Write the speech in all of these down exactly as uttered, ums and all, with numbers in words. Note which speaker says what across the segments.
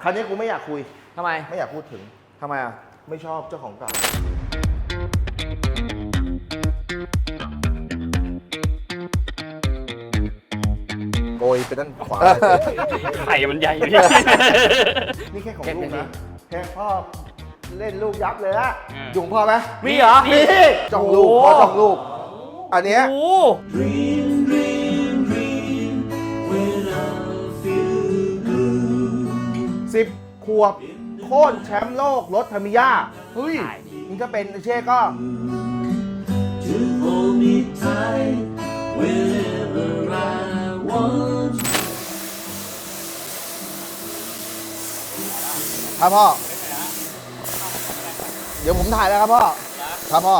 Speaker 1: คันนี้กูไม่อยากคุย
Speaker 2: ทำไม
Speaker 1: ไม่อยากพูดถึง
Speaker 2: ทำไมอ่ะ
Speaker 1: ไม่ชอบเจ้าของเก่าโกยไปด้านขวา
Speaker 3: ไข่มันใหญ่พี่
Speaker 1: นี่แค่ของลูกนะแค่พ่อเล่นลูกยับเลยอะยุงพ่อไหม
Speaker 2: มีเหรอ
Speaker 1: มีจ้องลูกพ่อจ้องลูก อันเนี้ย
Speaker 2: โอ้
Speaker 1: สิบขวบโค่นแชมป์โลกรถทามิยาเฮ้ย
Speaker 3: ใช่
Speaker 1: นี่ก็เป็นเช่ก็
Speaker 4: to hold me tight wherever I want.
Speaker 1: ครับพ่อ เดี๋ยวผมถ่ายแล้วครับพ่อ ครับพ่อ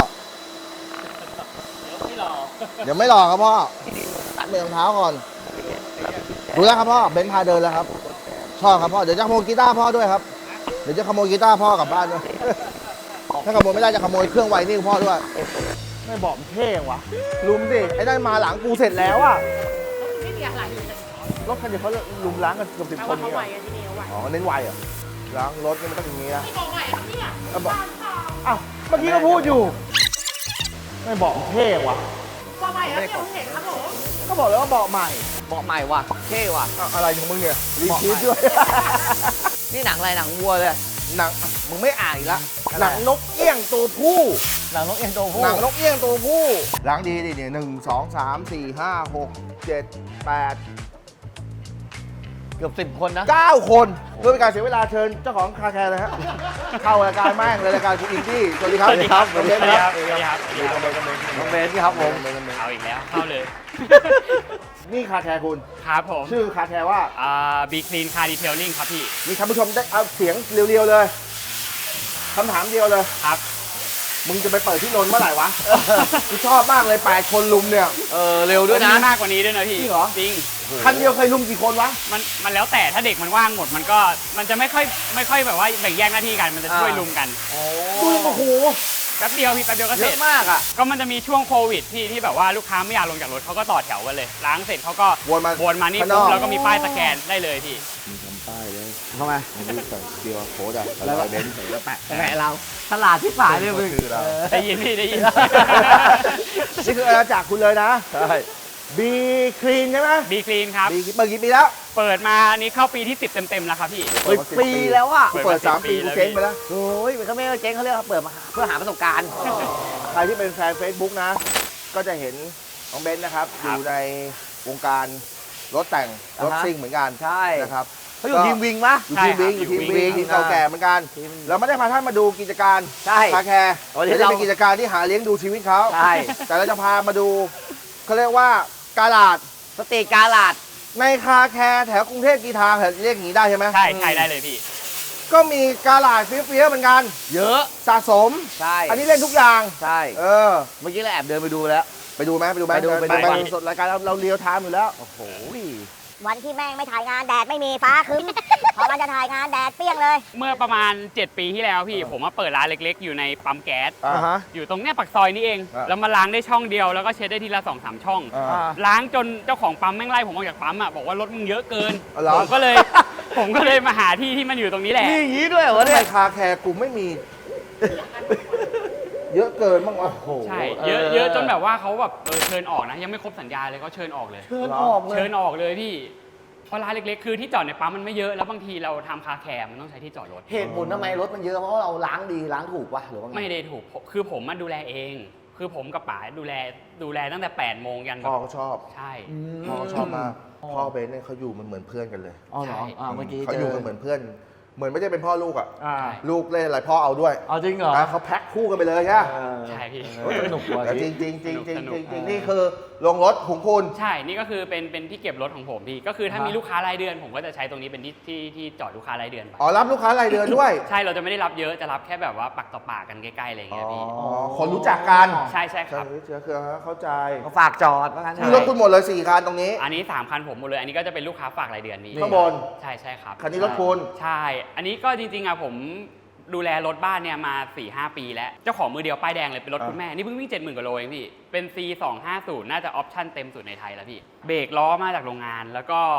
Speaker 1: เดี๋ยวไม่หลอกครับพ่อ ตัดเบรรองเท้าก่อนดูแล้วครับพ่อ เบนซ์พาเดินแล้วครับ ชอบครับพ่อ เดี๋ยวจะขโมยกีตาร์พ่อด้วยครับ เดี๋ยวจะขโมยกีตาร์พ่อกลับบ้านด้วย ถ้าขโมยไม่ได้จะขโมยเครื่องไวนิ่งพ่อด้วย ไม่บอกมันเท่วะลุมสิ ไอ้นั่นมาหลังกูเสร็จแล้วอะ
Speaker 5: ไม่มีอะไรเลย
Speaker 1: รถคันเดียวเขาลุมล้างกันเกือบสิบ
Speaker 5: แต่
Speaker 1: ค
Speaker 5: ว่าน เขา
Speaker 1: นี่
Speaker 5: ไหว
Speaker 1: เหรอ
Speaker 5: กันที่นี่เขาไหว
Speaker 1: อ๋อ เน้นไวเหรอล้างรถนี่มันต้องอย่างนี้นะ
Speaker 5: ไม่บอกไหวครับเนี่ย
Speaker 1: อ่ะบอกอ้าวเมื่อกี้ก็พูดอยู่ ไม่บอกมันเท่วะ
Speaker 5: บอกไหวครับเนี่ยผมเห็นครับผม
Speaker 1: ก็บอกแล้วว่าเบาะใหม่
Speaker 2: เบาะใหม่ว่ะเท่ว่ะ
Speaker 1: อ่ะอะไรของมึงเนี่ยรีชีสด้วย
Speaker 2: นี่หนังอะไรหนังวัวเลย
Speaker 1: หนังอ่ะมึงไม่อ่านอีกละ
Speaker 2: อะไร
Speaker 1: หนังนกเอี้ยงตัวผู้
Speaker 2: หนังนกเอ็นโตผู้
Speaker 1: หนังนกเอี้ยงตัวผู้ล้างดีดิเนี่ยหนึ่งสองสามสี่ห้าหกเจ็ดแปด
Speaker 2: เกือบสิบคนนะ
Speaker 1: เก้าคนเพื่อเป็นการเสียเวลาเชิญเจ้าของคาแคร์เลยฮะ เข้ารายการแม่งเลยรายการคุณอินดี้สวัสดีครับ
Speaker 3: สวัสดีครับ
Speaker 1: น้องเบน
Speaker 3: สวัสดีครับ
Speaker 1: สวัสดีครับ
Speaker 3: สวัสดีครับ
Speaker 2: น้องเบนครับผม
Speaker 3: เอาอีกแล้ว เข้าเลย
Speaker 1: นี่คาแคร์คุณ
Speaker 3: ครับผม
Speaker 1: ชื่อคาแคร์ว่า
Speaker 3: อ่าบีคลีนคาร์ดีเทลลิ่งครับพี่
Speaker 1: มีท่านผู้ชมได้เอาเสียงเรียวๆเลยคำถามเดียวเลย
Speaker 3: ครับ
Speaker 1: มึงจะไปเปิดที่นนท์เมื่อไหร่วะ กูชอบมากเลยแปดคนลุมเนี่ย
Speaker 2: เออเร็วด้วยนะ
Speaker 3: มีมากกว่านี้ด้วยนะพี่
Speaker 1: จริงเหรอ
Speaker 3: จริง
Speaker 1: คันเดียวเคยลุมกี่คนวะ
Speaker 3: มันมันแล้วแต่ถ้าเด็กมันว่างหมดมันก็มันจะไม่ค่อยไม่ค่อยแบบว่าแบ่งแยกหน้าที่กันมันจะช่วย
Speaker 2: อ่า
Speaker 3: ลุมกัน
Speaker 1: ดูโอ้โห
Speaker 3: แป๊บเดียวพี่แป๊บเดียวก็
Speaker 2: เย
Speaker 3: เสร็
Speaker 2: อะ
Speaker 3: จ
Speaker 2: มากอ่ะ
Speaker 3: ก็มันจะมีช่วงโควิดที่ที่แบบว่าลูกค้าไม่อยากลงจากรถเขาก็ต่อแถวกันเลย ล้างเสร็จเขาก็
Speaker 1: วนมา
Speaker 3: วนมานี่
Speaker 1: ข้างน
Speaker 3: ปุ๊
Speaker 1: อบ ก
Speaker 3: แล้วก็มีป้ายสแกนได้เลยพี่
Speaker 2: ทำไม
Speaker 1: นี่ใส่เกียร์โค้ดอะ
Speaker 2: แล้ว
Speaker 1: เบนซ์ใส่แล้วแปะ
Speaker 2: แหมเราตลาดที่ฝ่ายเลยมึง
Speaker 1: ชื่อเรา
Speaker 2: เออ
Speaker 3: ได้ยินพี่ได้ยิน
Speaker 1: นี่คืออาณาจักรคุณเลยนะ
Speaker 2: ใช่
Speaker 1: บีคลีนใช่ไหม
Speaker 3: บีคลีนครับ
Speaker 1: บีเปิดกี่ปีแล้ว
Speaker 3: เปิดมาอันนี้เข้าปีที่สิบเต็มๆแล้วครับพี่
Speaker 2: เฮ้ยปีแล้วอ่ะ
Speaker 1: กูเปิดสามปีกูเจ๊งไปแล้ว
Speaker 2: โอ้ยมันก็ไม่เจ๊งเขาเรียกว่าเปิดมาเพื่อหาประสบการณ์
Speaker 1: ใครที่เป็นแฟน Facebook นะ ก็จะเห็นน้องเบนซ์นะครับ
Speaker 3: ค
Speaker 1: อ
Speaker 3: รับ
Speaker 1: ยู่ในวงการรถแต่ง รถ
Speaker 2: อ่าฮะ
Speaker 1: ซิ่งเหมือนกัน
Speaker 2: ใช่
Speaker 1: นะครับ
Speaker 2: เขาอยู่ทีมวิงปะ
Speaker 1: อยู่ทีมวิงอยู่ทีมวิงทีมเก่าแก่เหมือนกัน
Speaker 2: ทีม
Speaker 1: เราไม่ได้พาท่านมาดูกิจการ
Speaker 2: ใช่
Speaker 1: คาแคร์
Speaker 2: วันนี้
Speaker 1: ไม่ได้
Speaker 2: เรา
Speaker 1: เป็นกิจการที่หาเลี้ยงดูชีวิตเขา
Speaker 2: ใช่
Speaker 1: แต่เราจะพามาดูเขาเรียกว่ากาลาด
Speaker 2: สตรีทกาลาด
Speaker 1: ในคาแคร์แถวกรุงเทพกีทางแถวเรียกอย่างนี้ได้ใช่ไหม
Speaker 3: ใช่ใช่ได้เลยพี่
Speaker 1: ก็มีกาลาดเฟี้ยวๆเหมือนกัน
Speaker 2: เยอะ
Speaker 1: สะสม
Speaker 2: ใช่
Speaker 1: อันนี้เล่นทุกอย่าง
Speaker 2: ใช่
Speaker 1: เออ
Speaker 2: เมื่อกี้เราแอบเดินไปดูแล้ว
Speaker 1: ไปดูไหมไปดูไหม
Speaker 2: ไปดูไปดู
Speaker 1: ไปดูสดรายการเราเราเรียวไทม์อยู่แล้ว
Speaker 2: โอ้โห
Speaker 6: วันที่แม่งไม่ถ่ายงานแดดไม่มีฟ้าครึ้ม พอมันจะถ่ายงานแดดเปรี้ยงเลย
Speaker 3: เมื่อประมาณ เจ็ด ปีที่แล้วพี่ ผมมาเปิดร้านเล็กๆ อยู่ในปั๊มแก๊ส
Speaker 1: อ่าฮะ
Speaker 3: อยู่ตรงเนี้ยปากซอยนี่เอง
Speaker 1: อ่ะ
Speaker 3: แล้วมาล้างได้ช่องเดียวแล้วก็เช็ดได้ทีละสองสามช่อง
Speaker 1: อ่า
Speaker 3: ล้างจนเจ้าของปั๊มแม่งไล่ผมออกจากปั๊มอ่ะบอกว่ารถมึงเยอะเกิน
Speaker 1: อ๋อเหรอ
Speaker 3: ผมก็เลย ผมก็เลยมาหาที่ที่มันอยู่ตรงนี้แหละ
Speaker 2: นี่อย่างนี้ด้วยเหรอ
Speaker 1: ทำ
Speaker 2: เนี่
Speaker 1: ไม
Speaker 2: ย
Speaker 1: คาแคร์กูไม่มี เยอะเกินบ้างวะ
Speaker 2: โอ้โห
Speaker 3: ใช่ เยอะเยอะจนแบบว่าเขาแบบเออเชิญออกนะ ยังไม่ครบสัญญาเลยเขาเชิญออกเลย
Speaker 2: เชิญออกเล
Speaker 3: เชิ
Speaker 2: ย
Speaker 3: ญออกเลยพี่เพราะร้านเล็กๆ คือที่จอดในปั๊มมันไม่เยอะแล้วบางทีเราทำคาแคร์มันต้องใช้ที่จอดรถ
Speaker 2: เหตุผลทำไมรถมันเยอะเพราะว่าเราล้างดีล้างถูกวะหรือว่าไง
Speaker 3: ไม่ได้ถูกผมคือผมมาดูแลเอง คือผมกับป๋าดูแลดูแลตั้งแต่แปดโมงยันแบ
Speaker 1: พ่อบ ก็ชอบ
Speaker 3: ใช่
Speaker 2: ม
Speaker 1: พ่อก็ชอบมากพ่อเบนซ์เนี่ยเขาอยู่มันเหมือนเพื่อนกันเลย
Speaker 2: อ๋อเหรอ
Speaker 3: ใช่
Speaker 2: อ่าเมื่อกี้
Speaker 1: เขา
Speaker 2: เจ
Speaker 1: อยู่
Speaker 2: อ
Speaker 1: กันเหมือนเพื่อน เหมือนไม่ได้เป็นพ่อลูกอ่ะ
Speaker 2: อ่า
Speaker 1: ลูกเล่นอะไรพ่อเอาด้วย
Speaker 2: เอาจริงเหรอ
Speaker 1: นะเขาแพ็คคู่กันไปเลยใช่ไหม
Speaker 2: เออ
Speaker 3: ใช่พี่
Speaker 2: เออสนุกว่ะ
Speaker 1: แต่จ
Speaker 2: จ
Speaker 1: ริ
Speaker 2: ริ
Speaker 1: ง
Speaker 2: ง
Speaker 1: จริงจริงจริง
Speaker 3: สนุก
Speaker 1: จริง
Speaker 3: สนุก
Speaker 1: จริงนี่คือโรงรถของคุณ
Speaker 3: ใช่ นี่ก็คือเป็นเป็นที่เก็บรถของผมพี่ ก็คือถ้า
Speaker 2: อ่ามี
Speaker 3: มีลูกค้ารายเดือน ผมก็จะใช้ตรงนี้เป็นที่ที่ที่จอดลูกค้ารายเดือนไป
Speaker 1: อ๋อรับลูกค้ารายเดือนด้วย
Speaker 3: ใช่ เราจะไม่ได้รับเยอะ จะรับแค่แบบว่าปักต่อปากกันใกล้ๆอะไรอย่าง
Speaker 1: อ๋
Speaker 3: เงี้ยพี่
Speaker 1: อคนรู้จักกัน
Speaker 3: ใช่ใช่ครับ
Speaker 1: เชื้อเครือเข้าใจ
Speaker 2: เขาฝากจอดว่างั้นเถ
Speaker 1: นี่
Speaker 2: อะ
Speaker 1: รถคุณหมดเลยสี่คันตรงนี้
Speaker 3: อันนี้สามคันผมหมดเลย อันนี้ก็จะเป็นลูกค้าฝากรายเดือนพี่
Speaker 1: ข้างบน
Speaker 3: ใช่ใช่ครับ
Speaker 1: คันนี้รถคุณ
Speaker 3: ใช่ อันนี้ก็จริงๆอะผมดูแลรถบ้านเนี่ยมา สี่ห้า ปีแล้ว เจ้าของมือเดียวป้ายแดงเลยเป็นรถ
Speaker 1: อ่า
Speaker 3: คุณแม่ นี่เพิ่งวิ่ง เจ็ดหมื่น กว่าโลเองพี่ เป็น ซี สองห้าศูนย์ น่าจะออปชั่นเต็มสุดในไทยแล้วพี่ เบรกล้อมาจากโรงงาน แล้วก็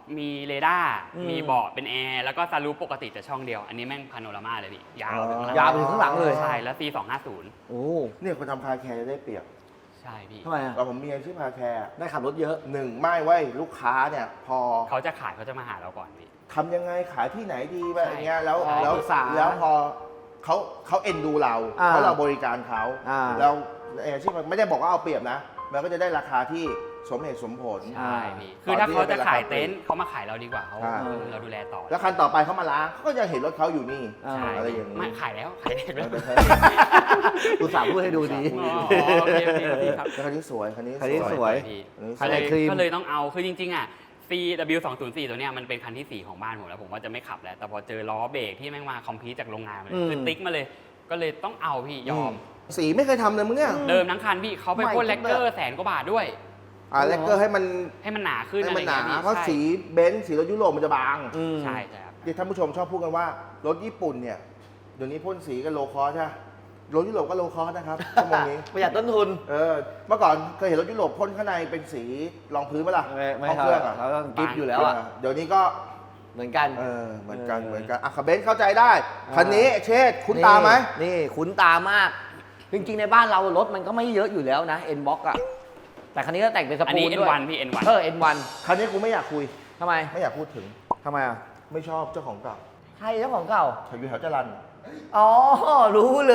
Speaker 3: มีเรดาร์
Speaker 2: อืม
Speaker 3: มีเบาะเป็นแอร์แล้วก็ซารูปปกติแต่ช่องเดียว อันนี้แม่งพาโนรามาเลยพี่ยาวไปข้างหลัง
Speaker 2: ยาวไปถึงข้างหลังเลย
Speaker 3: ใช่แล้ว ซี สองห้าศูนย์
Speaker 2: โอ้
Speaker 1: เนี่ยคนทำคาแคร์จะได้เปรียบ
Speaker 3: ใช่พี่
Speaker 2: ทำไมอ่ะ
Speaker 1: เราผมมีอาชีพคาแคร์
Speaker 2: ได้ขับรถเยอะ
Speaker 1: หนึ่งไม่ไว้ยลูกค้าเนี่ยพอ
Speaker 3: เขาจะขายเขาจะมาหาเราก่อนพี่
Speaker 1: ทำยังไงขายที่ไหนดีแบบอย่างเงี้ยแล้ว
Speaker 2: ใช่
Speaker 1: แล้ว
Speaker 2: ปรึกษา
Speaker 1: แล้วพอเขาเขาเอ็นดูเรา
Speaker 2: อ่า
Speaker 1: เพราะเราบริการเขา
Speaker 2: อ่า
Speaker 1: แล้วอาชีพไม่ได้บอกว่าเอาเปรียบนะมันก็จะได้ราคาที่สมเหตุสมผล
Speaker 3: ใช่พี่คือถ้าเขาจะขายเต็นท์เขามาขายเราดีกว่าเขา
Speaker 1: ใช่
Speaker 3: เราดูแลต่อ
Speaker 1: แล้วคันต่อไปเขามาล้างเขาก็จะเห็นรถเขาอยู่นี่
Speaker 2: อ่า
Speaker 3: ใช่
Speaker 1: อะไรอย่างนี้
Speaker 3: ไม่ขายแล้วขายเด็กแล้ว
Speaker 2: อุตส่าห์พูดให้ดูดี
Speaker 3: อ๋อโอเคโอเคโอเคครับ
Speaker 1: แล้วคันนี้สวยคันนี้
Speaker 2: คันนี้สวย
Speaker 3: พี่
Speaker 1: คัน
Speaker 3: ก็
Speaker 1: นี้
Speaker 3: เลย
Speaker 2: ครีม
Speaker 3: ก็เลยต้องเอาคือจริงๆอ่ะ ซี ดับเบิลยู สองศูนย์สี่ ตัวเนี้ยมันเป็นคันที่สี่ของบ้านผมแล้วผมว่าจะไม่ขับแล้วแต่พอเจอล้อเบรกที่แม่งมาคอมพลีทจากโรงงานมาเลย
Speaker 2: อืม
Speaker 3: คือติ๊กมาเลย ก็เลยต้องเอาพี่ยอม
Speaker 1: สีไม่เคยทำเลยมึงเนี่ย
Speaker 3: เดิมทั้งคันพี่เขาไปพ่น
Speaker 2: ใหม่
Speaker 3: แล
Speaker 2: ทุ
Speaker 3: ก
Speaker 2: ก
Speaker 3: เกอ
Speaker 2: แบบ
Speaker 3: ร์แสนกว่าบาทด้วย
Speaker 1: อ่าแลกเกอร์ให้มัน
Speaker 3: ให้มันหนาขึ้น
Speaker 1: ให้
Speaker 3: อะไร
Speaker 1: มันหนา
Speaker 3: เงี้ยพี่
Speaker 1: เพราะ
Speaker 3: ใช่
Speaker 1: สีเบนซ์สีรถยุโรปมันจะบาง
Speaker 2: อืม
Speaker 3: ใช่ใช่ครับ
Speaker 1: ที่ท่านผู้ชมชอบพูดกันว่ารถญี่ปุ่นเนี่ยเดี๋ยวนี้พ่นสีกันโลคอสใช่ไหมรถยุโรปก็โลคอสนะครับชั่วโมงนี้
Speaker 2: ประหยัดต้นทุน
Speaker 1: เออเมื่อก่อนเคยเห็นรถยุโรปพ่นข้างในเป็นสีรองพื้นไหมล่ะ
Speaker 2: ไม่ไม่
Speaker 1: ห้อง
Speaker 2: ครั
Speaker 1: เครื่องอ่ะ
Speaker 2: เขาต้องกิฟต์อยู่แล้วอ่ะ
Speaker 1: เออเดี๋ยวนี้ก็
Speaker 2: เหมือนกัน
Speaker 1: เออเหมือนกัน
Speaker 2: เออ
Speaker 1: เหมือนกันอ่ะขับเบนซ์เข้าใจได้คันนี้เชษฐ์คุ้นตาไหม
Speaker 2: นี่คุ้นตามาก จริงๆในบ้านเรารถมันก็ไม่เยอะอยู่แล้วนะ N box อ่ะ แต่คันนี้ก็แต่งเป็นส
Speaker 3: อัน
Speaker 2: ปู
Speaker 3: นี้
Speaker 2: นด้วย
Speaker 3: เอ็น วัน พี่ เอ็น วัน
Speaker 2: เออ N วัน
Speaker 1: คันนี้กูไม่อยากคุย
Speaker 2: ทำไม
Speaker 1: ไม่อยากพูดถึง
Speaker 2: ทำไมอ่ะ
Speaker 1: ไม่ชอบเจ้าของเก่า
Speaker 2: ใครเจ้าของเก่า
Speaker 1: อยู่แถวจรัญ
Speaker 2: อ๋อ รู้เลย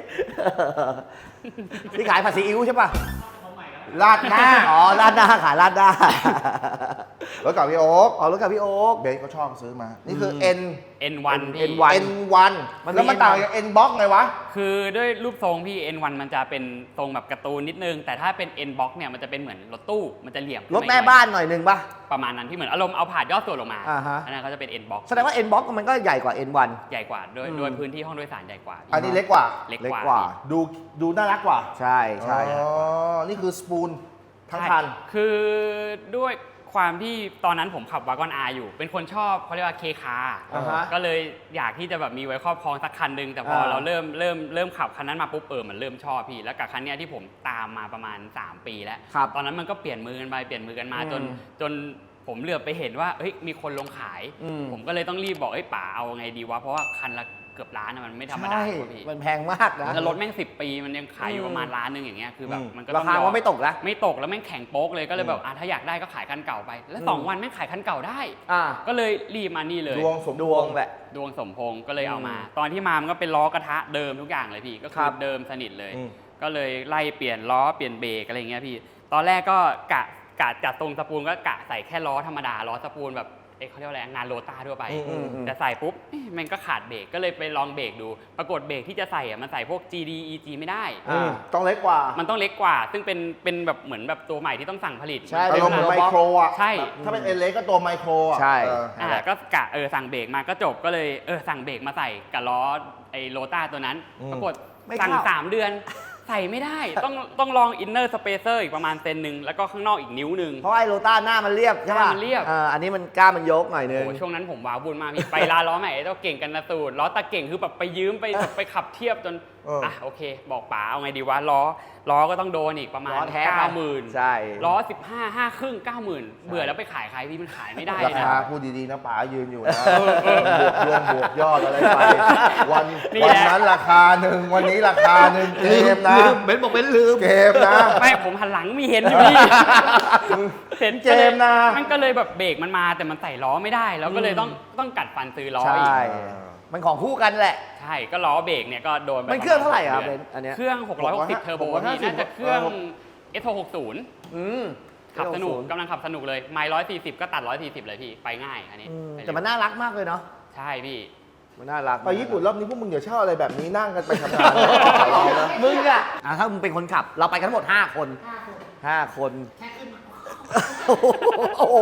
Speaker 2: ที่ขายผัดซีอิ๊วใช่ป่ะ
Speaker 1: ลาดหน้า
Speaker 2: อ๋อลาดหน้าขายลาดหน้าร
Speaker 1: ถเก่าพี่โอ๊ค
Speaker 2: อ๋อรถกับพี่โอ๊ค
Speaker 1: เบนซ์ก็ชอบซื้อมา นี่คือ N
Speaker 3: เอ็น วัน พี่
Speaker 2: N วัน
Speaker 1: N วัน
Speaker 2: มันมี
Speaker 1: แล้วมันต่างจาก N box ไงวะ
Speaker 3: คือด้วยรูปทรงพี่ เอ็น วัน มันจะเป็นทรงแบบการ์ตูนนิดนึง แต่ถ้าเป็น N box เนี่ยมันจะเป็นเหมือนรถตู้ มันจะเหลี่ยมขึ้
Speaker 2: ร
Speaker 3: ม
Speaker 2: ถ
Speaker 3: อีก
Speaker 2: แม่
Speaker 3: หอย
Speaker 2: บ้านหน่อยหนึ่งป่ะ
Speaker 3: ประมาณนั้นพี่เหมือนอารมณ์เอาผาดยอดส่วนลงมา
Speaker 2: อ่าฮะ
Speaker 3: อันนั้นเขาจะเป็น N box
Speaker 2: แสดงว่า N box มันก็ใหญ่กว่า N วัน
Speaker 3: ใหญ่กว่าโดย
Speaker 2: อืม
Speaker 3: โดยพื้นที่ห้องโดยสารใหญ่กว่าพี่
Speaker 1: อันนี้เล็กกว่า
Speaker 3: เล็ก
Speaker 2: เล็ก
Speaker 3: กว่าก
Speaker 2: ว่า
Speaker 3: พี่
Speaker 1: ดูดูน่ารักกว่า
Speaker 2: ใช่ใช่
Speaker 1: อ๋อ นี่คือสปูนทั้งคัน
Speaker 3: ใช่คือด้วยความที่ตอนนั้นผมขับวากอนอาอยู่ เป็นคนชอบเขาเรียกว่าเคคา
Speaker 2: อ่าฮะ
Speaker 3: ก็เลยอยากที่จะแบบมีไว้ครอบครองสักคันหนึงแต่พอ
Speaker 2: อ่า
Speaker 3: เราเริ่มเริ่มเริ่มขับคันนั้นมาปุ๊บเออมันเริ่มชอบพี่แล้วกับคันเนี้ยที่ผมตามมาประมาณสามปีแล้ว
Speaker 2: ครับ
Speaker 3: ตอนนั้นมันก็เปลี่ยนมือกันไปเปลี่ยนมือกันมา
Speaker 2: อืม
Speaker 3: จนจนผมเหลือบไปเห็นว่าเฮ้ยมีคนลงขาย
Speaker 2: อืม
Speaker 3: ผมก็เลยต้องรีบบอกเอ้ยป๋าเอาไงดีวะเพราะว่าคันละเกือบล้านอะมันไม่ธรรมดา
Speaker 2: ใช่
Speaker 3: กว่าพี่
Speaker 2: มันแพงมากนะ
Speaker 3: แล้วรถแม่งสิบปีมันยังขายอยู่
Speaker 2: อืม
Speaker 3: ประมาณล้านหนึงอย่างเงี้ยคือแบบ
Speaker 1: อืม
Speaker 3: มันก็
Speaker 2: รา
Speaker 3: ต้อง
Speaker 2: คาย
Speaker 3: อ
Speaker 2: ว่าม ไม่ตกนะ
Speaker 3: ไม่ตกแล้วแม่งแข็งโป๊กเลยก็เลยแบบ
Speaker 1: อืม
Speaker 3: อ่ะถ้าอยากได้ก็ขายคันเก่าไป แล้ว
Speaker 2: อืม
Speaker 3: สองวันแม่งขายคันเก่าได้
Speaker 2: อ่า
Speaker 3: ก็เลยรีบมานี่เลย
Speaker 1: ดวงสม
Speaker 2: ดวงแหละ
Speaker 3: ดวงสมพงษ์ก็เลยเอามา
Speaker 2: อืม
Speaker 3: ตอนที่มามันก็เป็นล้อกระทะเดิมทุกอย่างเลยพี่ก็คื
Speaker 2: ครั
Speaker 3: อบ เดิมสนิทเลย
Speaker 1: อืม
Speaker 3: ก็เลยไล่เปลี่ยนล้อเปลี่ยนเบรกอะไรเงี้ยพี่ ตอนแรกก็กะกะจัดตรงสปูลก็กะใส่แค่ล้อธรรมดาล้อสปูลแบบเอ๊ะเขาเรียกว่าอะไรงานโรต้าทั่วไป
Speaker 1: อืมอืม
Speaker 2: อืม
Speaker 3: แต่ใส่ปุ๊บเอ๊ะมันก็ขาดเบรกก็เลยไปลองเบรกดู ปรากฏเบรกที่จะใส่อะมันใส่พวก จี ดี อี จี ไม่ได้
Speaker 2: อ่า
Speaker 1: ต้องเล็กกว่า
Speaker 3: มันต้องเล็กกว่า ซึ่งเป็นเป็นแบบเหมือนแบบตัวใหม่ที่ต้องสั่งผลิต
Speaker 2: ใช่
Speaker 1: อารมณ์เหมือนไมโครอ่ะ
Speaker 3: ใช่
Speaker 1: แบบถ้าเป็นเอเล็กก็ตัวไมโครอ่ะ
Speaker 2: ใช่
Speaker 1: เออ
Speaker 3: อ่าก็กะเออสั่งเบรกมาก็จบก็เลยเออสั่งเบรกมาใส่กับล้อไอ้โรต้าตัวนั้น
Speaker 1: อืม
Speaker 3: ปรากฏ
Speaker 2: ไม่
Speaker 3: สั่ง
Speaker 2: เข้า
Speaker 3: สามเดือน ใส่ไม่ได้ ต้องต้องลองอินเนอร์สเปเซอร์อีกประมาณเซนหนึ่งแล้วก็ข้างนอกอีกนิ้วหนึ่ง
Speaker 2: เพราะไอ้โรต้าหน้ามันเรียบใช่ป่ะ
Speaker 3: หน้ามันเรียบ
Speaker 2: อ่าอันนี้มันกล้ามมันยกหน่อยนึง
Speaker 3: โอ้ช่วงนั้นผมว้าวุ่นมากพี่ ไปร้านล้อใหม่ไอ้เจ้าเก่งกันนะสูตรล้อตาเก่งคือแบบไปยืมไปไปขับเทียบจน
Speaker 1: เอออ่
Speaker 3: อ่ะโอเค บอกป๋าเอาไงดีวะล้อล้อก็ต้องโดนอีกประมาณ
Speaker 2: ล้อแท้
Speaker 3: เก้าหมื่น
Speaker 2: ใช่
Speaker 3: ล้อสิบห้าห้าครึ่งเก้าหมื่นเบื่อแล้วไปขายใครพี่มันขายไม่ได้
Speaker 1: รา
Speaker 3: เลยนะ
Speaker 1: คาพูดดีๆนะป๋ายืนอยู่นะบวกรวมบวกยอดอะไรไป วัน
Speaker 3: นี่
Speaker 1: วัน
Speaker 3: แหละ
Speaker 1: นั้นราคาหนึ่งวันนี้ราคาหนึ่งเกมนะ
Speaker 2: ลืมเบนบอกเบนลืม
Speaker 1: เกมนะ
Speaker 3: ไม่ผมหันหลังมีเห็นอยู่พี่เห็น
Speaker 1: เจมส์นะ
Speaker 3: มันก็เลยแบบเบรกมันมาแต่มันใส่ล้อไม่ได้ แล้วก็เลยต้องต้องกัดฟันซื้อล้อ
Speaker 2: ใช่
Speaker 3: อีก
Speaker 2: มันของคู่กันแหละ
Speaker 3: ใช่ก็ล้อเบรกเนี่ยก็โดนไป
Speaker 2: มันเครื่องเท่าไหร่ครับ
Speaker 3: ปะมณ
Speaker 2: เบนซ์อันเนี้ย
Speaker 3: เครื่องหกร้อยหกสิบเทอร์โบพี่น่าจะเครื่อง เอส หกหกศูนย์
Speaker 2: อืม
Speaker 3: ขับสนุก
Speaker 2: เก้าสิบ
Speaker 3: กำลังขับสนุกเลยไมล์ร้อยสี่สิบก็ตัดร้อยสี่สิบเลยพี่ไปง่ายอันนี้
Speaker 2: อืม
Speaker 3: ไปเร็ว
Speaker 2: แต่มันน่ารักมากเลยเนาะ
Speaker 3: ใช่พี่
Speaker 2: มันน่ารัก
Speaker 1: ไปญี่ปุ่นรอบนี้พวกมึงอย่าเช่าอะไรแบบนี้นั่งกันไปทำงานนะขอร้องนะ
Speaker 2: มึงอะอ่ะถ้ามึงเป็นคนขับ เราไปกันทั้งหมดห้าคนห้าคน
Speaker 5: แค่ขึ้นมา
Speaker 2: โอ้โห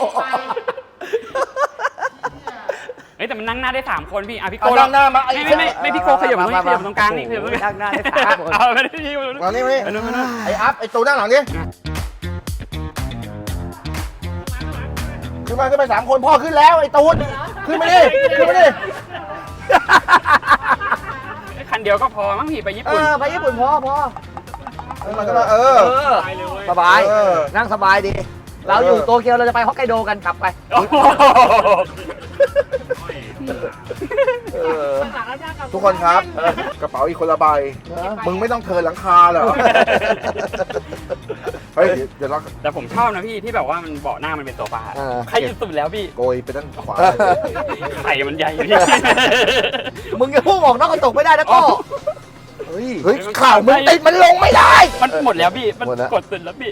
Speaker 3: เฮ้ยแต่มันนั่งหน้าได้สามคนพี่อ่ะพี่โก
Speaker 1: เอานั่งหน้ามาไอ้
Speaker 3: ไม่ไม่ไม่ไม่พี่โกขยับตรงนี้ขยับตรงกลางนี่ขยับตรงนี้
Speaker 2: นั่งหน้าได้สามคน
Speaker 3: เอาไม่ได้พี่
Speaker 1: มานี่มานี่
Speaker 3: ไปนู่นไปนู่น
Speaker 1: ไอ้อัพไอ้ตูนั่งหลังดิขึ้นมาขึ้นไปสามคนพ่อขึ้นแล้วไอ้ตูนขึ้นมาดิขึ้นมาดิ
Speaker 3: คันเดียวก็พอมั้งพี่ไปญี่
Speaker 2: เอ
Speaker 3: ปุ่น
Speaker 2: อไปญี่ปุ่นพอพอ
Speaker 1: ขึ้นมาขึ้นมาเออ
Speaker 2: เออ
Speaker 3: ไปเลยเว้ย
Speaker 2: สบาย
Speaker 1: เออ
Speaker 2: นั่งสบายดี
Speaker 1: เอ
Speaker 2: เราอยู่โตเกียวเราจะไปฮอกไกโดกันกลับไป
Speaker 1: เออทุกคนครับกระเป๋าอีกคนละใบมึงไม่ต้องเทินหลังคาเหรอเฮ้ยเดี๋ยวเรา
Speaker 3: แต่ผมชอบนะพี่ที่แบบว่ามันเบาะหน้ามันเป็นโซฟา
Speaker 1: อ่า
Speaker 3: ใครที่สุดแล้วพี่
Speaker 1: โกยไปด้านขวา
Speaker 3: ไข่มันใหญ่พี่
Speaker 2: มึงจะพุ่งออกนอกกระจกไม่ได้นะโก็
Speaker 1: เฮ้ยเฮ้ยข่าวมึงติดมันลงไม่ได้
Speaker 3: มันหมดแล้วพี่ มัน
Speaker 1: หมดแล้ว
Speaker 3: กดสุดแล้วพี่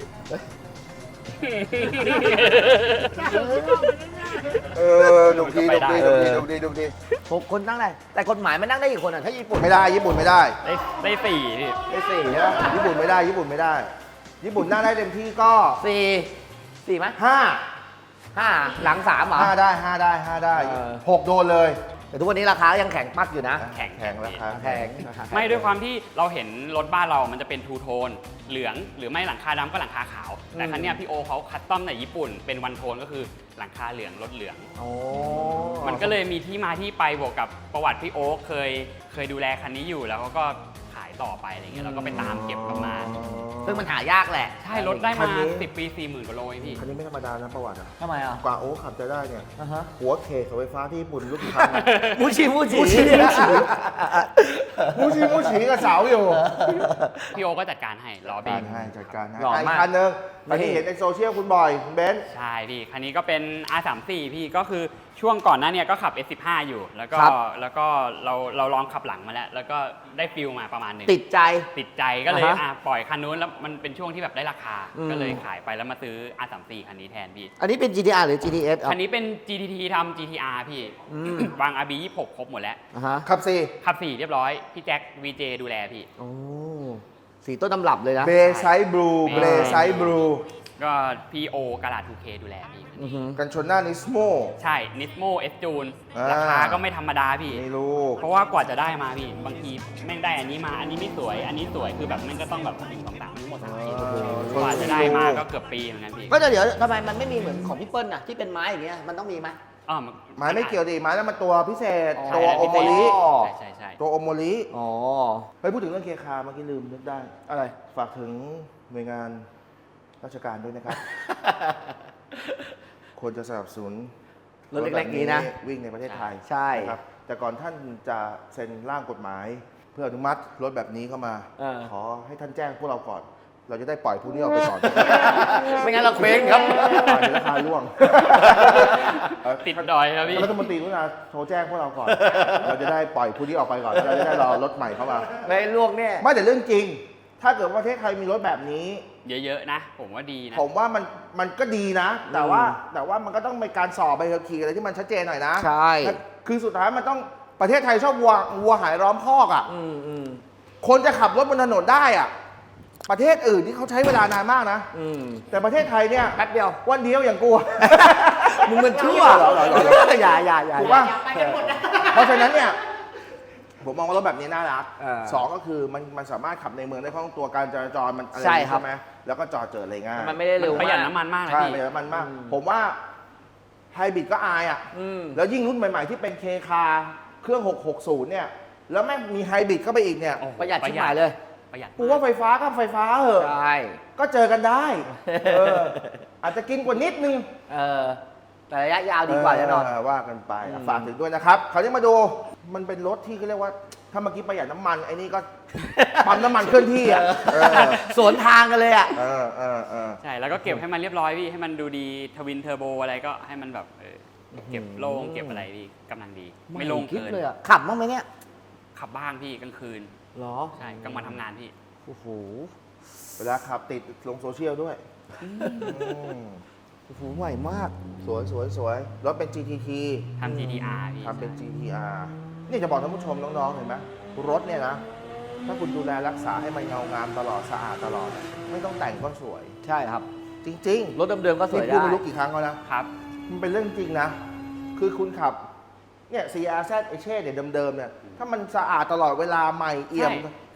Speaker 1: เออดูดีดูดีดูดีดูดีดูดี
Speaker 2: หกคนนั่งได้แต่กฎหมายมันนั่งได้กี่คนอ่ะถ้าญี่ปุ่น
Speaker 1: ไม่ได้ญี่ปุ่นไม่ได้
Speaker 3: ได้ได้สี่พี่
Speaker 2: ได้สี่
Speaker 1: ใช่ปะญี่ปุ่นไม่ได้ญี่ปุ่นไม่ได้ ญี่ปุ่นนั่งได้เต็มที่ก็
Speaker 2: สี่สี่ไหม
Speaker 1: ห้า
Speaker 2: ห้าหลังสามเหรอ
Speaker 1: ห้าได้ห้าได้ห้าได้
Speaker 2: เออ
Speaker 1: หกโดนเลย
Speaker 2: แต่ทุกวันนี้ราคายังแข็งปักอยู่นะ
Speaker 3: แข็ง
Speaker 1: แข็งราคา
Speaker 2: แข็งราคาแข็ง
Speaker 3: ไม่ด้วยความที่เราเห็นรถบ้านเรามันจะเป็นทูโทน เหลืองหรือไม่หลังคาดำก็หลังคาขาว แต่ครั้งนี้ยพี่โอเขาคัสตอมในญี่ปุ่นเป็นวันโทนก็คือหลังคาเหลืองรถเหลือง
Speaker 2: โอ้
Speaker 3: มันก็เลยมีที่มาที่ไปบวกกับประวัติพี่โอ๊คเคยเคยดูแลคันนี้อยู่แล้วเขาก็ขายต่อไปอะไรเงี้ยเราก็ไปตามเก็บกลับมา
Speaker 2: ซึ่งมันหายากแหละ
Speaker 3: ใช่รถได้มาสิบปีสี่หมื่นกว่าโลเองพี่
Speaker 1: คันนี้ไม่ธรรมดานะประวัติอะ
Speaker 2: ทำไมอ่ะ
Speaker 1: กว่าโอ้ขับจะได้เนี่ย
Speaker 2: อ่าฮะ
Speaker 1: หัวเคเสาไฟฟ้าที่ญี่ปุ่นลูกค้าง
Speaker 2: มูชิมูชิ
Speaker 1: มูชิมูชิมูชิกับเสาอยู่
Speaker 3: พี่โอก็จัดการให้ล้อเบร
Speaker 1: การ
Speaker 3: ก
Speaker 1: ให้จัดการให้
Speaker 2: หล่อ
Speaker 1: อ่ะอี
Speaker 2: มาก
Speaker 1: กคันหนึงอันนี้เห็นในโซเชียลคุณบ่อยคุณเบนซ์
Speaker 3: ใช่พี่ คันนี้ก็เป็น อาร์ สามสิบสี่ พี่ก็คือช่วงก่อนหน้าเนี่ยก็ขับ เอส สิบห้า อยู่ แล้วก็
Speaker 2: ครับ
Speaker 3: แล้วก็เราเราลองขับหลังมาแล้ว แล้วก็ได้ฟิลมาประมาณหนึ่ง
Speaker 2: ติดใจ
Speaker 3: ติดใจก็เลย
Speaker 2: อ่าฮะ
Speaker 3: อ่ะปล่อยคันนู้นแล้วมันเป็นช่วงที่แบบได้ราคา
Speaker 2: อืม
Speaker 3: ก็เลยขายไปแล้วมาซื้อ อาร์ สามสิบสี่ คันนี้แทนพี่
Speaker 2: อันนี้เป็น จี ที อาร์ หรือ จี ที เอส
Speaker 3: คันนี้เป็น จี ที ที ทำ จี ที อาร์ พี่
Speaker 2: อืม
Speaker 3: วาง อาร์ บี ยี่สิบหก ครบหมดแล้ว
Speaker 2: อ่าฮะ
Speaker 1: ขับสี่
Speaker 3: ขับสี่เรียบร้อย พี่แจ็ค วี เจ ดูแลพี่
Speaker 2: โอ้สีต้นตำรับเลยนะ
Speaker 1: เบไซบลูเบไซบลู
Speaker 3: ก็พี่โอกาลา ทู เค ดูแลพี่
Speaker 2: อือหือ
Speaker 1: กันชนหน้านิสโม
Speaker 3: ใช่ นิสโม เอส จูน
Speaker 1: อ่า
Speaker 3: ราคาก็ไม่ธรรมดาพี่
Speaker 1: ไม่รู้
Speaker 3: เพราะว่ากว่าจะได้มาพี่ บางทีแม่งได้อันนี้มา อันนี้ไม่สวย อันนี้สวย คือแบบแม่งก็ต้องแบบหนึ่งสองสามทั้งหมดสามอาทิตย์
Speaker 1: เออก
Speaker 3: ว่าจะได้มาก็เกือบปีเหมือนกันพี่
Speaker 2: ก็จะเดี๋ยวทำไมมันไม่มีเหมือนของพี่เปิ้ลน่ะที่เป็นไม้อย่างเงี้ยมันต้องมีไหม
Speaker 3: อ๋อ
Speaker 1: ไม้ไม่เกี่ยวดิไม้แล้วมันตัวพิเศษ
Speaker 2: อ๋อ
Speaker 1: ตัวโอโมริ
Speaker 3: ใช่ใช่ใช่
Speaker 1: ตัวโอโมริ
Speaker 2: อ๋อ
Speaker 1: เฮ้ยพูดถึงเรื่องเคคาเมื่อกี้ลืมนึกได้
Speaker 2: อะไร
Speaker 1: ฝากถึงหน่วยงานราชการด้วยนะครับ ควรจะสนับสนุน
Speaker 2: รถเล็กๆนี้นะ
Speaker 1: วิ่งในประเทศไทย
Speaker 2: ใช่
Speaker 1: นะครับแต่ก่อนท่านจะเซ็นร่างกฎหมาย เพื่ออนุมัติรถแบบนี้เข้ามา
Speaker 2: เออ
Speaker 1: ขอให้ท่านแจ้งพวกเราก่อน เราจะได้ปล่อยผู้นี้ออกไปก่อน
Speaker 2: ไม่งั้นเราเคว้งครับ
Speaker 1: ปล่อยในราคาร่วง
Speaker 3: ติดดอยครับพี่
Speaker 1: รัฐมนตรีกรุณาโทรแจ้งพวกเราก่อน เราจะได้ปล่อยผู้นี้ออกไปก่อนแล้วเราจะได้รอรถใหม่เข้ามา
Speaker 2: ไม่ลวกเนี่ย
Speaker 1: ไม่แต่เรื่องจริง ถ้าเกิดประเทศไทยมีรถแบบนี้
Speaker 3: เยอะๆนะ ผมว่าดีนะ
Speaker 1: ผมว่ามันมันก็ดีนะ แต่ว่าแต่ว่ามันก็ต้องมีการสอบใบขับขี่อะไรที่มันชัดเจนหน่อยนะ
Speaker 2: ใช่
Speaker 1: คือสุดท้ายมันต้องประเทศไทยชอบวัววัวหายล้อมคอกอ่ะ
Speaker 2: อืมอืม
Speaker 1: คนจะขับรถบนถนนได้อ่ะ ประเทศอื่นที่เขาใช้เวลานานมากนะ
Speaker 2: อืม
Speaker 1: แต่ประเทศไทยเนี่ย
Speaker 2: แป๊บเดียว
Speaker 1: วันเดียวอย่างกูอะ
Speaker 2: มึงมันชั่ว
Speaker 1: เหรอเหรอเหรอเหรอ
Speaker 2: อย่าอย่าอย่า
Speaker 1: ถูกป่ะ
Speaker 5: ไปกันหมดนะ
Speaker 1: เพราะฉะนั้นเนี่ยผมมองว่ารถแบบนี้น่ารัก
Speaker 2: เออ
Speaker 1: สองก็คือมันมันสามารถขับในเมืองได้คล่องตัวการจราจรมันอะไร
Speaker 2: ใช่ครับ
Speaker 1: ไหมแล้วก็จอดเจออะไรง่าย
Speaker 2: มันไม่ได้เร็ว
Speaker 3: ประหยัด
Speaker 2: มาก
Speaker 3: น้ำมันมากนะ
Speaker 1: ใช่
Speaker 3: พี่
Speaker 1: ประหยัดน้ำมันมาก
Speaker 2: อืม
Speaker 1: ผมว่าไฮบริดก็อายอ่ะ
Speaker 2: อืม
Speaker 1: แล้วยิ่งรุ่นใหม่ ๆ ที่เป็นเคคาเครื่องหกหกศูนย์เนี่ย แล้วแม่งมีไฮบริดเข้าไปอีกเนี่ย
Speaker 3: โอ้โ
Speaker 2: ประหยัดชิบหายเลย
Speaker 3: ประหยัด
Speaker 1: กูว่าไฟฟ้าก็ไฟฟ้าเหอะ
Speaker 2: ใช่
Speaker 1: ก็เจอกันได้เอออาจจะกินกว่านิดนึง
Speaker 2: เออแต่ระยะยาวดีกว่าแน่นอน
Speaker 1: เว่ากันไปอ่ะ
Speaker 2: อืม
Speaker 1: ฝากถึงด้วยนะครับ คราวนี้มาดูมันเป็นรถที่เขาเรียกว่า ถ้าเมื่อกี้ประหยัดน้ำมันไอ้นี่ก็ ปั๊มน้ำมันเคลื่อนที่อ่ะเออ
Speaker 2: สวนทางกันเลยอ่ะ
Speaker 1: เออเออเออ
Speaker 3: ใช่ แล้วก็เก็บให้มันเรียบร้อยพี่ ให้มันดูดี ทวินเทอร์โบอะไรก็ให้มันแบบเออเก็บโล่ง เก็บอะไรดีกำลังดี ไม่โล่ง
Speaker 2: คิด
Speaker 3: เกิน
Speaker 2: เลยอ่ะขับบ้างไหมเนี่ย
Speaker 3: ขับบ้างพี่กลางคืน
Speaker 2: หรอ
Speaker 3: ใช่กลางวันทำงานพี่
Speaker 2: โอ้โห
Speaker 1: เวลาขับติดลงโซเชียลด้วยอืม
Speaker 2: โอ้โหใหม่มาก
Speaker 1: สวยสวยสวยรถเป็น จี ที ที
Speaker 3: ทำ จี ที อาร์ พี่
Speaker 1: ทำเป็น จี ที อาร์ นี่จะบอกท่านผู้ชมน้องๆเห็นไหมรถเนี่ยนะ ถ้าคุณดูแลรักษาให้มันเงางามตลอดสะอาดตลอดอะไม่ต้องแต่งก็สวย
Speaker 2: ใช่ครับ
Speaker 1: จริง
Speaker 2: รถเดิมๆก็
Speaker 1: ๆ
Speaker 2: สวย
Speaker 1: นี่พูด
Speaker 2: ได้
Speaker 1: ไม่รู้กี่ครั้งแล้วนะ
Speaker 3: ครับ
Speaker 1: มันเป็นเรื่องจริงนะ คือคุณขับ เนี่ย ซี อาร์ แซด เอเช่เนี่ยเดิมๆเนี่ย ถ้ามันสะอาดตลอดเวลาใหม่เอี่ยม
Speaker 3: ใช่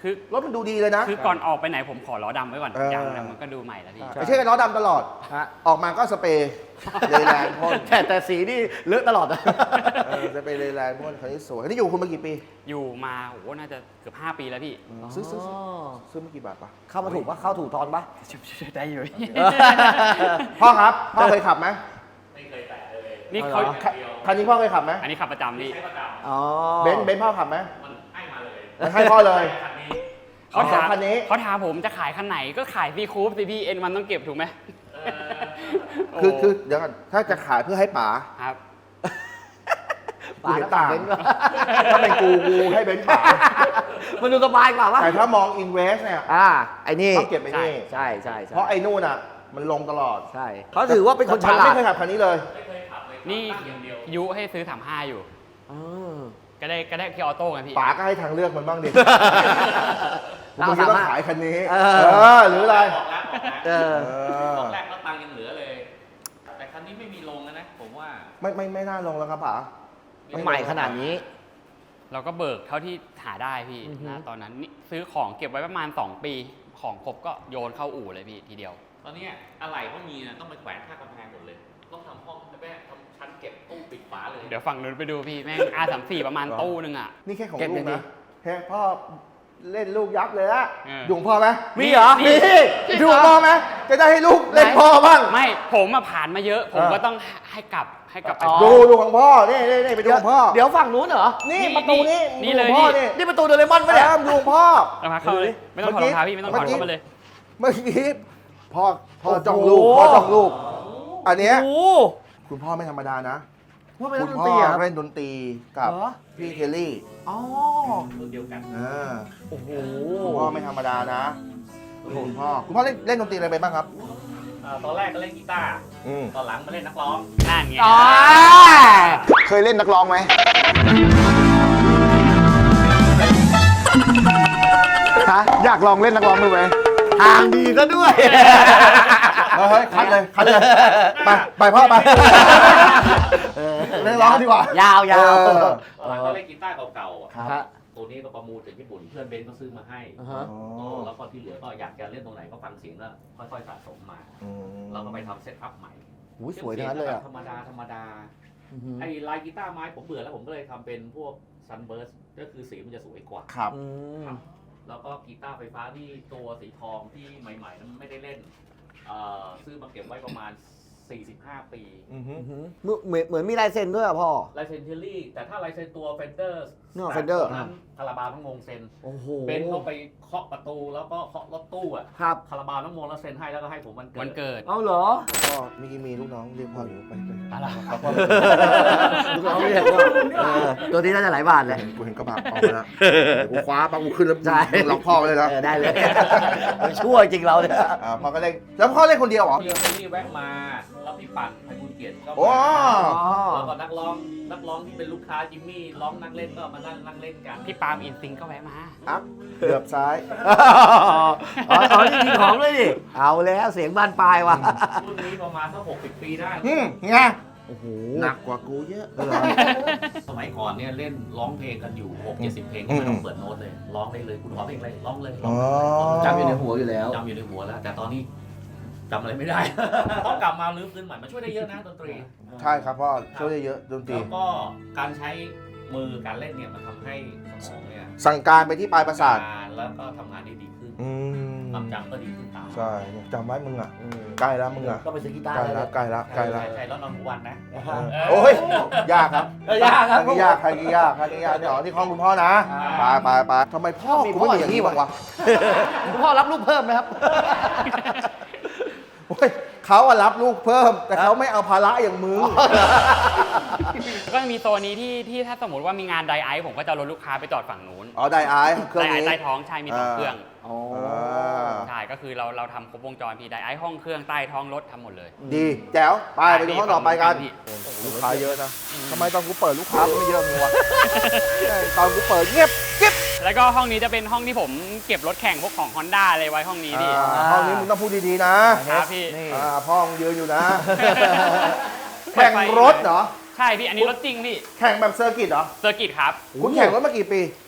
Speaker 3: คือ
Speaker 1: รถมันดูดีเลยนะ
Speaker 3: คือก่อนออกไปไหนผมขอล้อดำไว้ก่อน
Speaker 1: เออ
Speaker 3: ยังนะมันก็ดูใหม่แล้วพี่
Speaker 1: ไม่ใช่กันล้อดำตลอด
Speaker 2: ฮะ
Speaker 1: ออกมาก็สเปรย์เลยแรงพ่น
Speaker 2: แต่แต่สีนี่เลอะตลอดอะ
Speaker 1: เออสเปรย์เลยแรงพ่นคันนี้สวยคันนี้อยู่คุณมากี่ปี
Speaker 3: อยู่มาโอ้โหน่าจะเกือบห้าปีแล้วพี่
Speaker 1: ซื้อซื้อซื้อซื้อมากี่บาทปะ
Speaker 2: เข้ามาถูกปะเข้าถูกทอนปะ
Speaker 3: ได้อยู่
Speaker 1: พ่อครับพ่อเคยขับไหม
Speaker 3: นี่เขา
Speaker 1: คันคันนี้พ่อเคยขับไหม
Speaker 3: อันนี้ขับประจำพี่
Speaker 2: อ๋อ
Speaker 1: เบนซ์เบนซ์พ่อขับไหมมันให้มาเลยมันให้พ่อเลย
Speaker 3: เขาถาม
Speaker 1: คันนี้
Speaker 3: เขาถามผมจะขายคันไหนก็ขายซีคูปสิพี่เอ็นมันต้องเก็บถูกไหม
Speaker 1: คือคือเดี๋ยวก่อนถ้าจะขายเพื่อให้ป๋า
Speaker 3: ครับ
Speaker 1: กูเห็นต่างถ้าเป็นกูกูให้เบนซ์ป๋า
Speaker 2: มันดูสบายกว่าวะ
Speaker 1: แต่ถ้ามองอินเวสเนี่ย
Speaker 2: อ่าไอ้นี่
Speaker 1: ต้องเก็บไอ้นี่
Speaker 2: ใช่ใช่ใช่
Speaker 1: เพราะไอ้นู่นอ่ะ มันลงตลอด
Speaker 2: ใช่เขาถือว่าเป็นคนฉ
Speaker 1: แต่ป๋
Speaker 2: ลา
Speaker 1: ไม่
Speaker 2: ด
Speaker 1: เคยขับคันนี้เลย
Speaker 3: นี่ยุให้ซื้อสามห้าอยู่
Speaker 2: อ๋อ
Speaker 3: ก็ได้ก็ได้พี่ออโต้ไงพี่
Speaker 1: ป๋าก็ให้ทางเลือกมันบ้างดิ
Speaker 2: เรา
Speaker 1: มึงจะต้อง
Speaker 2: สามารถ
Speaker 1: ขายคันนี้
Speaker 2: เอ
Speaker 1: เอ
Speaker 2: อ
Speaker 1: อหรืออะไร
Speaker 2: เออ
Speaker 1: เออ
Speaker 7: แรกก็ตังค์ยังเหลือเลย แต่คันนี้ไม่มีลงนะ ผมว่า
Speaker 1: ไม่ไม่ไม่น่าลงแล้วครับป๋า
Speaker 2: ใหม่ขนาดนี้
Speaker 3: เราก็เบิกเท่าที่หาได้พี่
Speaker 2: อือฮึ
Speaker 3: นะตอนนั้นนี่ซื้อของเก็บไว้ประมาณ สอง ปี ของครบก็โยนเข้าอู่เลยพี่ทีเดียว
Speaker 7: ตอนเนี้ยอะไรก็มีนะต้องไปแขวนข้างกำแพงหมดเลย ต้องทำห้องแม่ทำชั้นเก็บตู้ปิดฝาเลย
Speaker 3: เดี๋ยวฝั่งนู้นไปดูพี่ แม่ง อาร์ สามสิบ ประมาณตู้นึงอ่ะ
Speaker 1: นี่แค่ของ
Speaker 2: เก็บ
Speaker 1: ลู
Speaker 2: อก ย่างนี้
Speaker 1: นะแค่พ่อเล่นลูกยับเลยอะ
Speaker 3: เออ
Speaker 1: อยู่ของพ่อไหม
Speaker 2: มีเหรอ
Speaker 1: มีอยู่ของพ่อไหมจะได้ให้ลูกเล่นพ่อบ้าง
Speaker 3: ไม่ผมมาผ่านมาเยอะ ผม
Speaker 1: เออ
Speaker 3: ก็ต้องให้กลับให้กลับไป
Speaker 2: อ๋อ
Speaker 1: ดูดูของพ่อ นี่นี่นี่ไปดูของพ่อ
Speaker 2: เดี๋ยวฝั่งนู้นเหรอ
Speaker 1: นี่ประตูนี้
Speaker 3: นี่เลย
Speaker 1: ดูของพ่อ
Speaker 3: นี่
Speaker 1: นี่
Speaker 2: นี่ประตูโดเรมอนปะเนี่ย
Speaker 1: แอมดูของพ่อ
Speaker 3: เอามาเข้าเลย ไม่ต้องถอดรองเท้าพี่ไม่ต้องถอดเข้ามาเลย
Speaker 1: เมื่อกี้พ่อพ่อ
Speaker 2: โอ้โห
Speaker 1: จ้องลูกพ่อจ้องลูก อันเนี้ย
Speaker 2: โอ้
Speaker 1: คุณพ่อไม่ธรรมดานะ
Speaker 2: ว่าเป็น
Speaker 1: คุ
Speaker 2: นัก
Speaker 1: ณ
Speaker 2: ดน
Speaker 1: พ่
Speaker 2: ตรี
Speaker 1: อ
Speaker 2: เหรอ
Speaker 1: เล่นดนตรีกับ
Speaker 2: เหรอ
Speaker 1: พี่เคลลี่
Speaker 2: อ๋อ
Speaker 7: รุ่นเดียวกัน
Speaker 1: อ่า
Speaker 2: โอ้โห
Speaker 1: คุณพ่อไม่ธรรมดานะคุณพ่อคุณพ่อเล่นเล่นดนตรีอะไรไปบ้างครับ
Speaker 7: อ่าตอนแรกก็เล่นกีตาร์
Speaker 1: อืม
Speaker 7: ตอนหลังมาเล่นนักร้อง
Speaker 3: นั่นไง
Speaker 2: อ๋อ
Speaker 1: เคยเล่นนักร้องไหม ฮะอยากลองเล่นนักร้องดูไหม
Speaker 2: ทางดีซะด้วย
Speaker 1: เฮ้ยคัดเลยคัดเลย ไปไปพ่อไปเล่นร้องดีกว่า
Speaker 2: ยาวยาว
Speaker 1: เออ
Speaker 7: ตอนหลังก็เล่นกีตาร์เก่าๆอะ
Speaker 2: ฮะ
Speaker 7: ตัวนี้ก็ประมูลจากญี่ปุ่น เพื่อนเบนซ์ก็ซื้อมาให้
Speaker 2: อ่าฮะ
Speaker 1: อ๋อ
Speaker 7: แล้วก็ที่เหลือก็อยากจะเล่นตรงไหนก็ฟังเสียงแล้วค่อยๆสะสมมา
Speaker 1: อืม
Speaker 7: เราก็ไปทำเซตอัพใหม่
Speaker 2: หูยสวยทั้งนั้นเลยอ่ะ
Speaker 7: ธรรมดาธรรมดา
Speaker 2: อื้อหือ
Speaker 7: ไอ้ลายกีตาร์ไม้ผมเบื่อแล้วผมก็เลยทำเป็นพวกซันเบิร์สก็คือสีมันจะสวยกว่า
Speaker 1: ครับ
Speaker 2: อืม
Speaker 7: แล้วก็กีตาร์ไฟฟ้าที่ตัวสีทองที่ใหม่ๆนั้นไม่ได้เล่นเอ่อซื้อมาเก็บไว้ประมาณ สี่สิบห้า ปี
Speaker 1: อือฮึ
Speaker 2: อื้อหือเหมือนเหมือนมีลายเซ็นด้วยอ่ะพ่อ
Speaker 7: ลายเซนเทอรี่ แต่ถ้าลายเซนตัวเฟนเดอร์
Speaker 2: เนอะ Fender
Speaker 7: นั้นคาราบาวต้องงงเซ็น
Speaker 2: โอ้โห
Speaker 7: เบนซ์เขาไปเคาะประตูแล้วก็เคาะรถตู้อ่ะ
Speaker 2: ครับ
Speaker 7: คาราบาวต้องงงแล้วเซ็นให้แล้วก็ให้ผมวันเกิด
Speaker 3: วันเกิด
Speaker 2: เอาเหรอ
Speaker 1: พ่อมีมีลูกน้องเรียกพ่ออยู่ไปไป
Speaker 3: อะไร
Speaker 1: ครับพ่อ
Speaker 2: ลูกน้องเรียกว่าเออตัวนี้น่าจะหลายบาทเลย
Speaker 1: กูเห็นกระบะออกไปแล้วกูคว้าปังกูขึ้นแล้ว
Speaker 2: ใช่
Speaker 1: มึงล็อกพ่อไว้เลยนะ
Speaker 2: เออได้เลยมันชั่วจริงเราเนี่ย
Speaker 1: อ่าพ่อก็เล่นแล้วพ่อเล่นคนเดียวเหรอ
Speaker 7: พี่เบนนี่แวะมา แล้วพี่ปั่นไพบุญเกียรติก็
Speaker 1: โอ้
Speaker 7: มาแล้วก็นักร้องนักร้องที่เป็นลูกค้าจิมมี่ร้องนักเล่นก็มานั่งนั่งเล่นกัน
Speaker 3: พี่ปาล์มอินซิงก็แวะมา
Speaker 1: อัพเกือบซ้าย
Speaker 2: อ๋ออ๋อนี่มีของเลยดิเอาแล้วเสียงบานปลายว่ะ
Speaker 7: รุ่นนี้ประมาณสักหกสิบปีได้
Speaker 1: อืมไง
Speaker 2: โอ้โห
Speaker 1: หนักกว่ากูเยอะ
Speaker 7: สมัยก่อนเนี่ยเล่นร้องเพลงกันอยู่หกเจ็ดสิบเพลงก็ไม่ต้องเปิดโน้ตเลยร้องได้เลยคุณขอเพลงอะไรร้องเลยร้องเลย
Speaker 1: อ๋อ
Speaker 2: จำอยู่ในหัวอยู่แล้ว
Speaker 7: จำอยู่ในหัวแล้ว แต่ตอนนี้จำอะไรไม่ได้ ต้องกลับมาลื้อฟื้นใหม่มันช่วยได้เยอะนะดนตรี
Speaker 1: ใช่ครับพ่อช่วยได้เยอะดนตรี
Speaker 7: แล้วก็การใช้มือการเล่นเนี่ยมันทำให้สมองเนี่ย
Speaker 1: สั่งการไปที่ปลายประสาท
Speaker 7: ทำงานแล้วก็ทำงานได้ดีขึ้น
Speaker 1: อืม
Speaker 7: ความจำก็ดีขึ้นตาม
Speaker 1: ใช่จำไว้มึงอ่ะใกล้แล้วมึงอ่ะ
Speaker 2: ก็ไปซื้อกีตาร์
Speaker 1: ใกล้
Speaker 2: ได้
Speaker 1: แล้วใกล้แล้วใกล้แล้ว
Speaker 7: ใช่ใช่แล้วนอนทุกวันนะ
Speaker 2: นะฮะ
Speaker 1: โอ้ยยากครับ
Speaker 2: เออยากครับ
Speaker 1: ใครยากใครยากใครยากเนี่ยอ๋อนี่ห้องคุณพ่อนะไปไปไปทำไมพ่อ
Speaker 2: มี
Speaker 1: กู
Speaker 2: พ่อ
Speaker 1: ไม่มีอย่างนี้
Speaker 2: อย่างนี้
Speaker 1: บ้างวะ
Speaker 2: คุณพ่อรับลูกเพิ่มไหมครับ
Speaker 1: โอ้ยเขาอะรับลูกเพิ่ม แต่เขาไม่เอาภาระอย่างมึง
Speaker 3: ก็มีโซนนี้ที่ที่ถ้าสมมติว่ามีงานไดไอซ์ผมก็จะรถลูกค้าไปจอดฝั่งนู้น
Speaker 1: อ๋อไดไอซ์เครื่อง
Speaker 3: ไดไอ
Speaker 1: นี้
Speaker 3: ซ์ใต้ท้องใช่มีสอง
Speaker 1: อ่า
Speaker 3: เครื่อง
Speaker 2: อ๋อ
Speaker 1: อ่า
Speaker 3: ใช่ก็คือเราเราทำครบวงจรพี่ไดไอซ์ห้องเครื่องใต้ท้องรถทำหมดเลย
Speaker 1: ดีแจ๋วไปไปดูห้องต่อไปกัน
Speaker 3: พี่
Speaker 1: ลูกค้าเยอะนะทำไมตอนกูเปิดลูกค้าไม่เยอะเลยวะตอนกูเปิดเงียบกิ๊บ
Speaker 3: แล้วก็ห้องนี้จะเป็นห้องที่ผมเก็บรถแข่งพวกของ Honda อะไรไว้ห้องนี้พี่
Speaker 1: อ่าห้องนี้มึงต้องพูดดีๆนะครับ
Speaker 3: พี่
Speaker 2: นี่
Speaker 1: อ่าพ่อมึงยืนอยู่นะ แข่งรถเหรอ
Speaker 3: ใช่พี่อันนี้รถจริงพี่
Speaker 1: แข่งแบบเซอร์กิตเหรอ
Speaker 3: เซอร์กิตครับ
Speaker 1: คุณแข่งรถมากี่ปี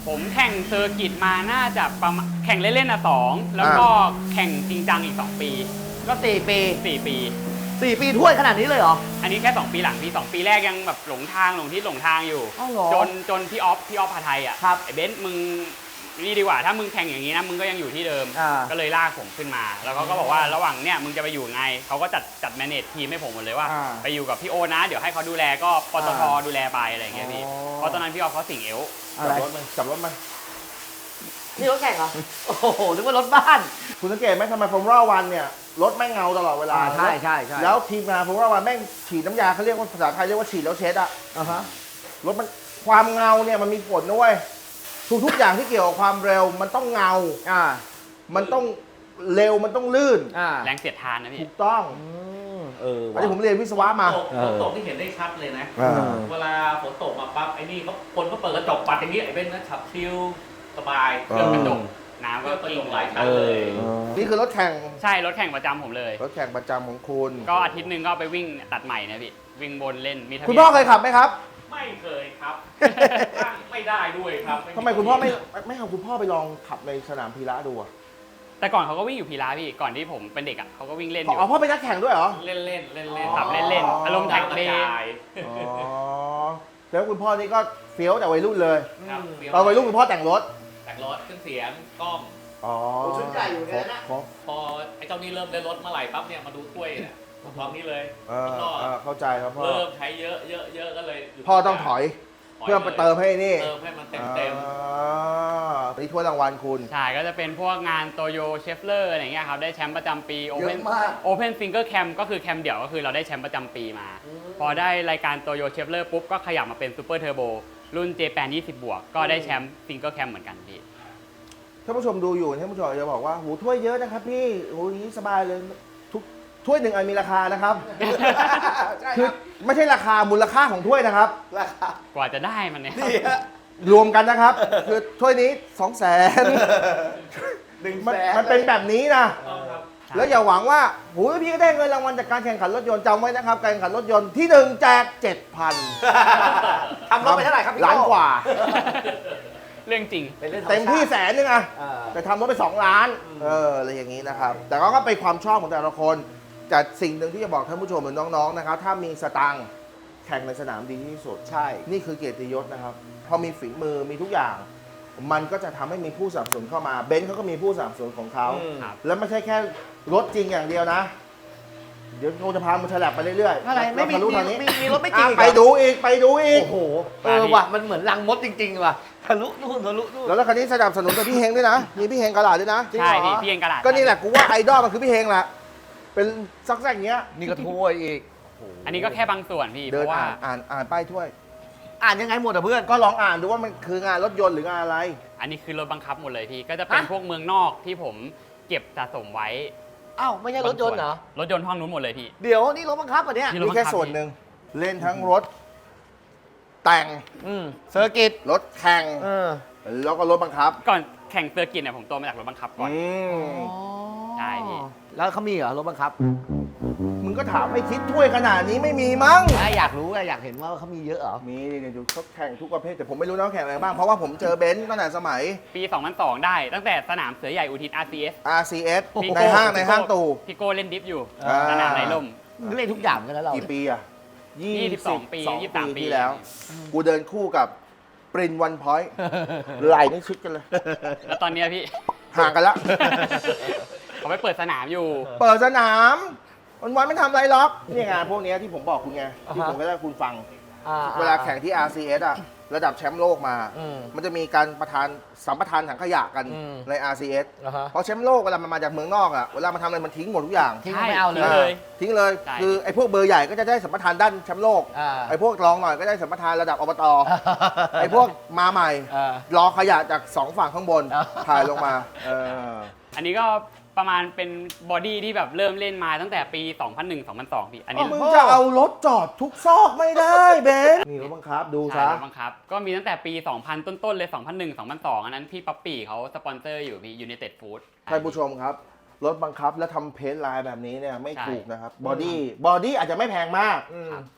Speaker 3: ผมแข่งเซอร์กิตมาน่าจะประมาณแข่งเล่นๆอ่ะสองแล้วก็แข่งจริงจังอีกสองปี
Speaker 2: ก็สี่ปี
Speaker 3: สี่ปี
Speaker 2: สี่ปีถ้วยขนาดนี้เลยเหรอ
Speaker 3: อันนี้แค่สองปีหลังพี่สองปีแรกยังแบบหลงทางหลงที่หลงทางอยู่
Speaker 2: อ้าวเหรอ
Speaker 3: จนจนพี่ออฟพี่ออฟพาไทยอ่ะ
Speaker 2: ครับ
Speaker 3: ไอ้เบนซ์มึงนี่ดีกว่าถ้ามึงแข่งอย่างนี้นะมึงก็ยังอยู่ที่เดิม
Speaker 2: อ่า
Speaker 3: ก็เลยลากผมขึ้นมา แล้วเขาก็บอกว่าระหว่างเนี่ยมึงจะไปอยู่ไงเขาก็จัดจัดแมเนจทีมให้ผมหมดเลยว่า
Speaker 2: อ่า
Speaker 3: ไปอยู่กับพี่โอนะ เดี๋ยวให้เขาดูแลก็ปตท
Speaker 2: อ่า
Speaker 3: ดูแลไปอะไรอย่างเงี้ยพี่
Speaker 2: อ๋อ
Speaker 3: เพราะตอนนั้นพี่ออฟเขาสิงเอว
Speaker 2: อะไร
Speaker 1: จับรถมันจับรถมัน
Speaker 2: นี่รถแข่งเหรอ โอ้โหนึกว่ารถบ้าน
Speaker 1: คุณสังเกตไหมทำไมฟอร์มูล่าวันเนี่ยรถแม่งเงาตลอดเวลา
Speaker 2: อ่าใช่ใช่ใช่
Speaker 1: แล้วทีมงานฟอร์มูล่าวันแม่งฉีดน้ำยาเขาเรียกว่าภาษาไทยเรียกว่าฉีดแล้วเช็ดอะ
Speaker 2: อ่าฮะ
Speaker 1: รถมันความเงาเนี่ยมันมีผลนะเว้ยทุกๆอย่างที่เกี่ยวกับความเร็วมันต้องเงา
Speaker 2: อ่า
Speaker 1: มันต้องเร็วมันต้องลื่น
Speaker 2: อ่า
Speaker 3: แรงเสียดทานนะพี่
Speaker 1: ถูกต้อง
Speaker 2: อืมเออ
Speaker 1: อันนี้ผมเรียนวิศวะมา
Speaker 7: ฝนตกฝนตกที่เห็นได้ชัดเลยนะ
Speaker 1: อ่า
Speaker 7: เวลาฝนตกมาปั๊บไอ้นี่เขาคนก็เปิดกระจกปัดอย่างนี้ไอ้เบนซ์นะขับชิลสบาย
Speaker 1: เอ
Speaker 3: เครื่อง
Speaker 1: อ
Speaker 3: กระจกน้ำ
Speaker 7: เพื่
Speaker 3: ก็
Speaker 7: อประ
Speaker 3: กิ้
Speaker 7: โย
Speaker 3: ง
Speaker 7: ชน์หลายชั้น
Speaker 2: เอ
Speaker 7: เล
Speaker 2: อ
Speaker 7: ย
Speaker 1: นี่คือรถแข่ง
Speaker 3: ใช่รถแข่งประจำผมเลย
Speaker 1: รถแข่งประจำของคุณ
Speaker 3: ก็อาทิตย์หนึ่งก็ไปวิ่งตัดใหม่นะพี่วิ่งบนเล่นมีทะเบียน
Speaker 1: คุณพ่อเคยขับไหมครับ
Speaker 7: ไม่เคยครับนั่งไม่ได้ด้วยครับ
Speaker 1: ทำไมคุณพ่อไม่ไม่เอาคุณพ่อไปลองขับในสนามพีระดูอะ
Speaker 3: แต่ก่อนเขาก็วิ่งอยู่พีระพี่ก่อนที่ผมเป็นเด็กอ่ะเขาก็วิ่งเล่นอยู่
Speaker 1: อ๋อพ่อเป็นนักแข่งด้วยเหรอ
Speaker 7: เล่นเล่นเล่นเล่น
Speaker 3: ขับเล่นๆอารมณ์แท็กเลน
Speaker 1: อ๋อแล้วคุณพ่อนี่ก็เฟี้ยวแต่วัยรุ่นเลย
Speaker 7: ครับ
Speaker 1: ตอนวัยรุ่นคุณพ่อแต่งรถ
Speaker 7: แต่งรถเครื่องเสียงกล้อง
Speaker 1: อ๋อ
Speaker 2: โอ้ชุดใหญ่อยู่เนี่ยนะ
Speaker 1: ครบ
Speaker 7: พอไอ้เจ้านี่เริ่มได้รถเมื่อไหร่ปั๊บเนี่ยมาดูถ้วยเนี่ยพร้อมนี้เลย
Speaker 1: เออ
Speaker 7: แล้วก็
Speaker 1: เออเข้าใจครับพ่อ
Speaker 7: เริ่มใช้เยอะเยอะเยอะก็เลยหยุด
Speaker 1: พ่อต้องถอย เพื่อไปเติมให้นี่
Speaker 7: เติมให้มันเต็มเต็ม
Speaker 1: อ่านี่ถ้วยรางวัลคุณ
Speaker 3: ใช่ก็จะเป็นพวกงานโตโยเชฟเลอร์อะไรอย่างเงี้ยครับได้แชมป์ประจำปีโอ
Speaker 2: เย
Speaker 3: เพ
Speaker 2: อะ
Speaker 3: น
Speaker 2: มาก
Speaker 3: โอเพนซิงเกิลแคมก็คือแคมเดี่ยวก็คือเราได้แชมป์ประจำปีมา พอได้รายการโตโยเชฟเลอร์ปุ๊บก็ขยับมาเป็นซูเปอร์เทอร์โบรุ่น เจ แปน ยี่สิบ บวก ก็ได้แชมป์ซิงเกิลแคมเหมือนกันพี่
Speaker 1: ท่านผู้ชมดูอยู่ท่านผู้ชมอาจจะบอกว่าโหถ้วยเยอะนะครับพี่โหนี้สบายเลยทุกถ้วยหนึ่งอันมีราคานะครับ คือไม่ใช่ราคามูลค่าของถ้วยนะครับ
Speaker 2: ราคาก
Speaker 3: ว่าจะได้มันเนี่ย
Speaker 2: นี่ฮะ
Speaker 1: รวมกันนะครับ คือถ้วยนี้สองแสน
Speaker 2: หนึ่ง
Speaker 1: มัน
Speaker 2: แสน
Speaker 1: มันเป็นแบบนี้นะ
Speaker 7: ๆต้องครับ
Speaker 1: แล้วอย่าหวังว่าโหพี่ก็ได้เงินรางวัลจากการแข่งขันรถยนต์จำไว้นะครับ การแข่งขันรถยนต์ที่หนึ่งแจกเจ็ดพัน
Speaker 2: ทำรถไปเท่าไหร่ครับพี่
Speaker 1: ล้านกว่า
Speaker 3: เรื่องจริง
Speaker 2: เป็นเรื่องธรร
Speaker 1: เต็มที่แสนนึงอะ
Speaker 2: อ่า
Speaker 1: แต่ทำรถไปสองล้าน เอออะไรอย่างนี้นะครับ แต่ก็เป็นความชอบของแต่ละคนแต่สิ่งหนึ่งที่จะบอกท่านผู้ชมหรือน้องๆนะครับ ถ้ามีสตังค์แข่งในสนามดีที่สุด
Speaker 2: ใช่
Speaker 1: นี่คือเกียรติยศนะครับ พอมีฝีมือมีทุกอย่าง มันก็จะทำให้มีผู้สนับสนุนเข้ามาเบนซ์เขาก็มีผู้สนับสนุนของเขา
Speaker 2: อืม
Speaker 3: ครับ
Speaker 1: แล้วไม่ใช่แค่รถจริงอย่างเดียวนะ เดี๋ยวเราจะพามันฉลับไปเรื่อยๆ
Speaker 2: อะไรไม่มี
Speaker 1: เราทะลุ
Speaker 2: มี
Speaker 1: ทางนี้
Speaker 2: มีมีรถไม่จริง
Speaker 1: อ่ะ
Speaker 2: อีก
Speaker 1: ไป
Speaker 2: เหรอ
Speaker 1: ดูอีกไปดูอีก
Speaker 2: โอ้โห เออว่ะ มันเหมือนรังมดจริงๆว่ะ ทะลุนู่นทะลุนู่น
Speaker 1: แล้วรถคันนี้สนับสนุนกับพี่เฮงด้วยนะ มีพี่เฮงกระดาษด้วยนะ
Speaker 2: จริง
Speaker 3: ใช่
Speaker 2: เหรอ
Speaker 3: พี่พี่เองกระดาษ
Speaker 1: ก็นี่แหละกูว่าไอดอลมันคือพี่เฮงแหละ เป็นซักแซกอย่างเงี้ย
Speaker 2: นี่ก็ถ้วยอีก
Speaker 3: อันนี้ก็แค่บางส่วนพี่เพ
Speaker 1: เดิน
Speaker 3: ราะว่า
Speaker 1: อ่านอ่านอ่านป้ายถ้วย
Speaker 2: อ่านยังไงหมดอ่ะเพื่อน
Speaker 1: ก็ลองอ่านดูว่ามันคืองานรถยนต์หรืองานอะไร
Speaker 3: อันนี้คือรถบังคับหมดเลยพี่ก็จะเป็น
Speaker 2: ฮะ
Speaker 3: พวกเมืองนอกที่ผมเก็บสะสมไว้
Speaker 2: อ้าวไม่ใช่รถยนต์เหรอ
Speaker 3: รถยนต์ห้องนู้นหมดเลยพี่
Speaker 2: เดี๋ยวนี่รถบังคับอ่ะเนี่ย
Speaker 3: นี่
Speaker 1: นี่แค่ส่วนหนึ่งเล่นทั้งรถ แต่ง
Speaker 2: อืมเซอร์กิต
Speaker 1: รถแข่ง
Speaker 2: เออ
Speaker 1: แล้วก็รถบังคับ
Speaker 3: ก่อนแข่งเซอร์กิตเนี่ยผมโตมาจากรถบังคับก่อน
Speaker 1: อืม
Speaker 3: ใช่พี่
Speaker 2: แล้วเขามีเหรอรถบังคับ
Speaker 1: มึงก็ถามไม่คิดถ้วยขนาดนี้ไม่มีมั้ง
Speaker 2: ถ้าอยากรู้ไงอยากเห็นว่าเขามีเยอะเหรอ
Speaker 1: มีเดี๋ยวเขาแข่งทุกประเภทแต่ผมไม่รู้นะว่าแข่งอะไรบ้างเพราะว่าผมเจอเบนซ์ตั้งแต่สมัย
Speaker 3: ปี สองพันสอง ได้ตั้งแต่สนามเสือใหญ่อุทิศ อาร์ ซี เอส
Speaker 1: อาร์ ซี เอส
Speaker 3: พี่
Speaker 1: ใน
Speaker 3: โก้
Speaker 1: ห้างในห้างตู่
Speaker 3: พี่โก้เล่นดิฟอยู่
Speaker 1: อ่า
Speaker 3: สนามไหนล่ม
Speaker 2: เล่นทุกอย่างกันแล้วเรา
Speaker 1: กี่ปีอ่ะ
Speaker 3: ยี่สิบสองปี
Speaker 1: สอง
Speaker 3: ยี่สิบสามปี
Speaker 1: ที่แล้ว กูเดินคู่กับปรินวันพอยต์ไหลนี่ชิดกันเลย
Speaker 3: แล้วตอนเนี้ยพี่
Speaker 1: ห่างกันแล้ว
Speaker 3: เขาไปเปิดสนามอยู่
Speaker 1: เปิดสนามวันวันไม่ทำอะไรหรอกนี่ไงพวกเนี้ยที่ผมบอกคุณไงที่
Speaker 2: อ่าฮะ
Speaker 1: ผมก็ได้คุณฟัง
Speaker 2: อ่
Speaker 1: เวลาแข่งที่ อาร์ ซี เอส อ่ะ ระดับแชมป์โลกมา
Speaker 2: อืม
Speaker 1: มันจะมีการประทานสัมปทานถังขยะกัน
Speaker 2: อืม
Speaker 1: ใน อาร์ ซี เอส
Speaker 2: อ่าฮะ
Speaker 1: เพราะแชมป์โลกเวลามันมาจากเมืองนอกอ่ะ เวลามันทำอะไรมันทิ้งหมดทุกอย่าง
Speaker 2: ทิ้งไม่เอาเล
Speaker 3: ใช่
Speaker 2: ย
Speaker 1: ทิ้งเลย
Speaker 3: ใช่
Speaker 1: คือไอ้พวกเบอร์ใหญ่ก็จะได้สัมปทานด้านแชมป์โลก
Speaker 2: อ่า
Speaker 1: ไอ้พวกรองหน่อยก็ได้สัมปทานระดับอบต ไอ้พวกมาใหม่
Speaker 2: อ่า
Speaker 1: รอขยะจากสองฝั่งข้างบน
Speaker 2: อ่า
Speaker 1: ถ่ายลงมาเออ
Speaker 3: อันนี้ก็ประมาณเป็นบอดี้ที่แบบเริ่มเล่นมาตั้งแต่ปี สองพันหนึ่ง สองพันสอง พี่ อันนี้
Speaker 1: มึงจะเอารถจอดทุกซอกไม่ได้เบนนี่รถบังคับดู
Speaker 3: ใช่
Speaker 1: ซะ
Speaker 3: รถบังคับ ก็มีตั้งแต่ปี สองพัน ต้นๆเลย สองพันหนึ่ง สองพันสอง อันนั้นพี่ป๊อปปี้เขาสปอนเซอร์อยู่พี่ยู n นเต็ดฟู้ด
Speaker 1: ท่านผู้ชมครับ รถบังคับแล้วทำเพจไลน์แบบนี้เนี่ยไม่
Speaker 3: ใช่
Speaker 1: ถูกนะครับบอดี้บอดี้อาจจะไม่แพงมาก
Speaker 2: อืม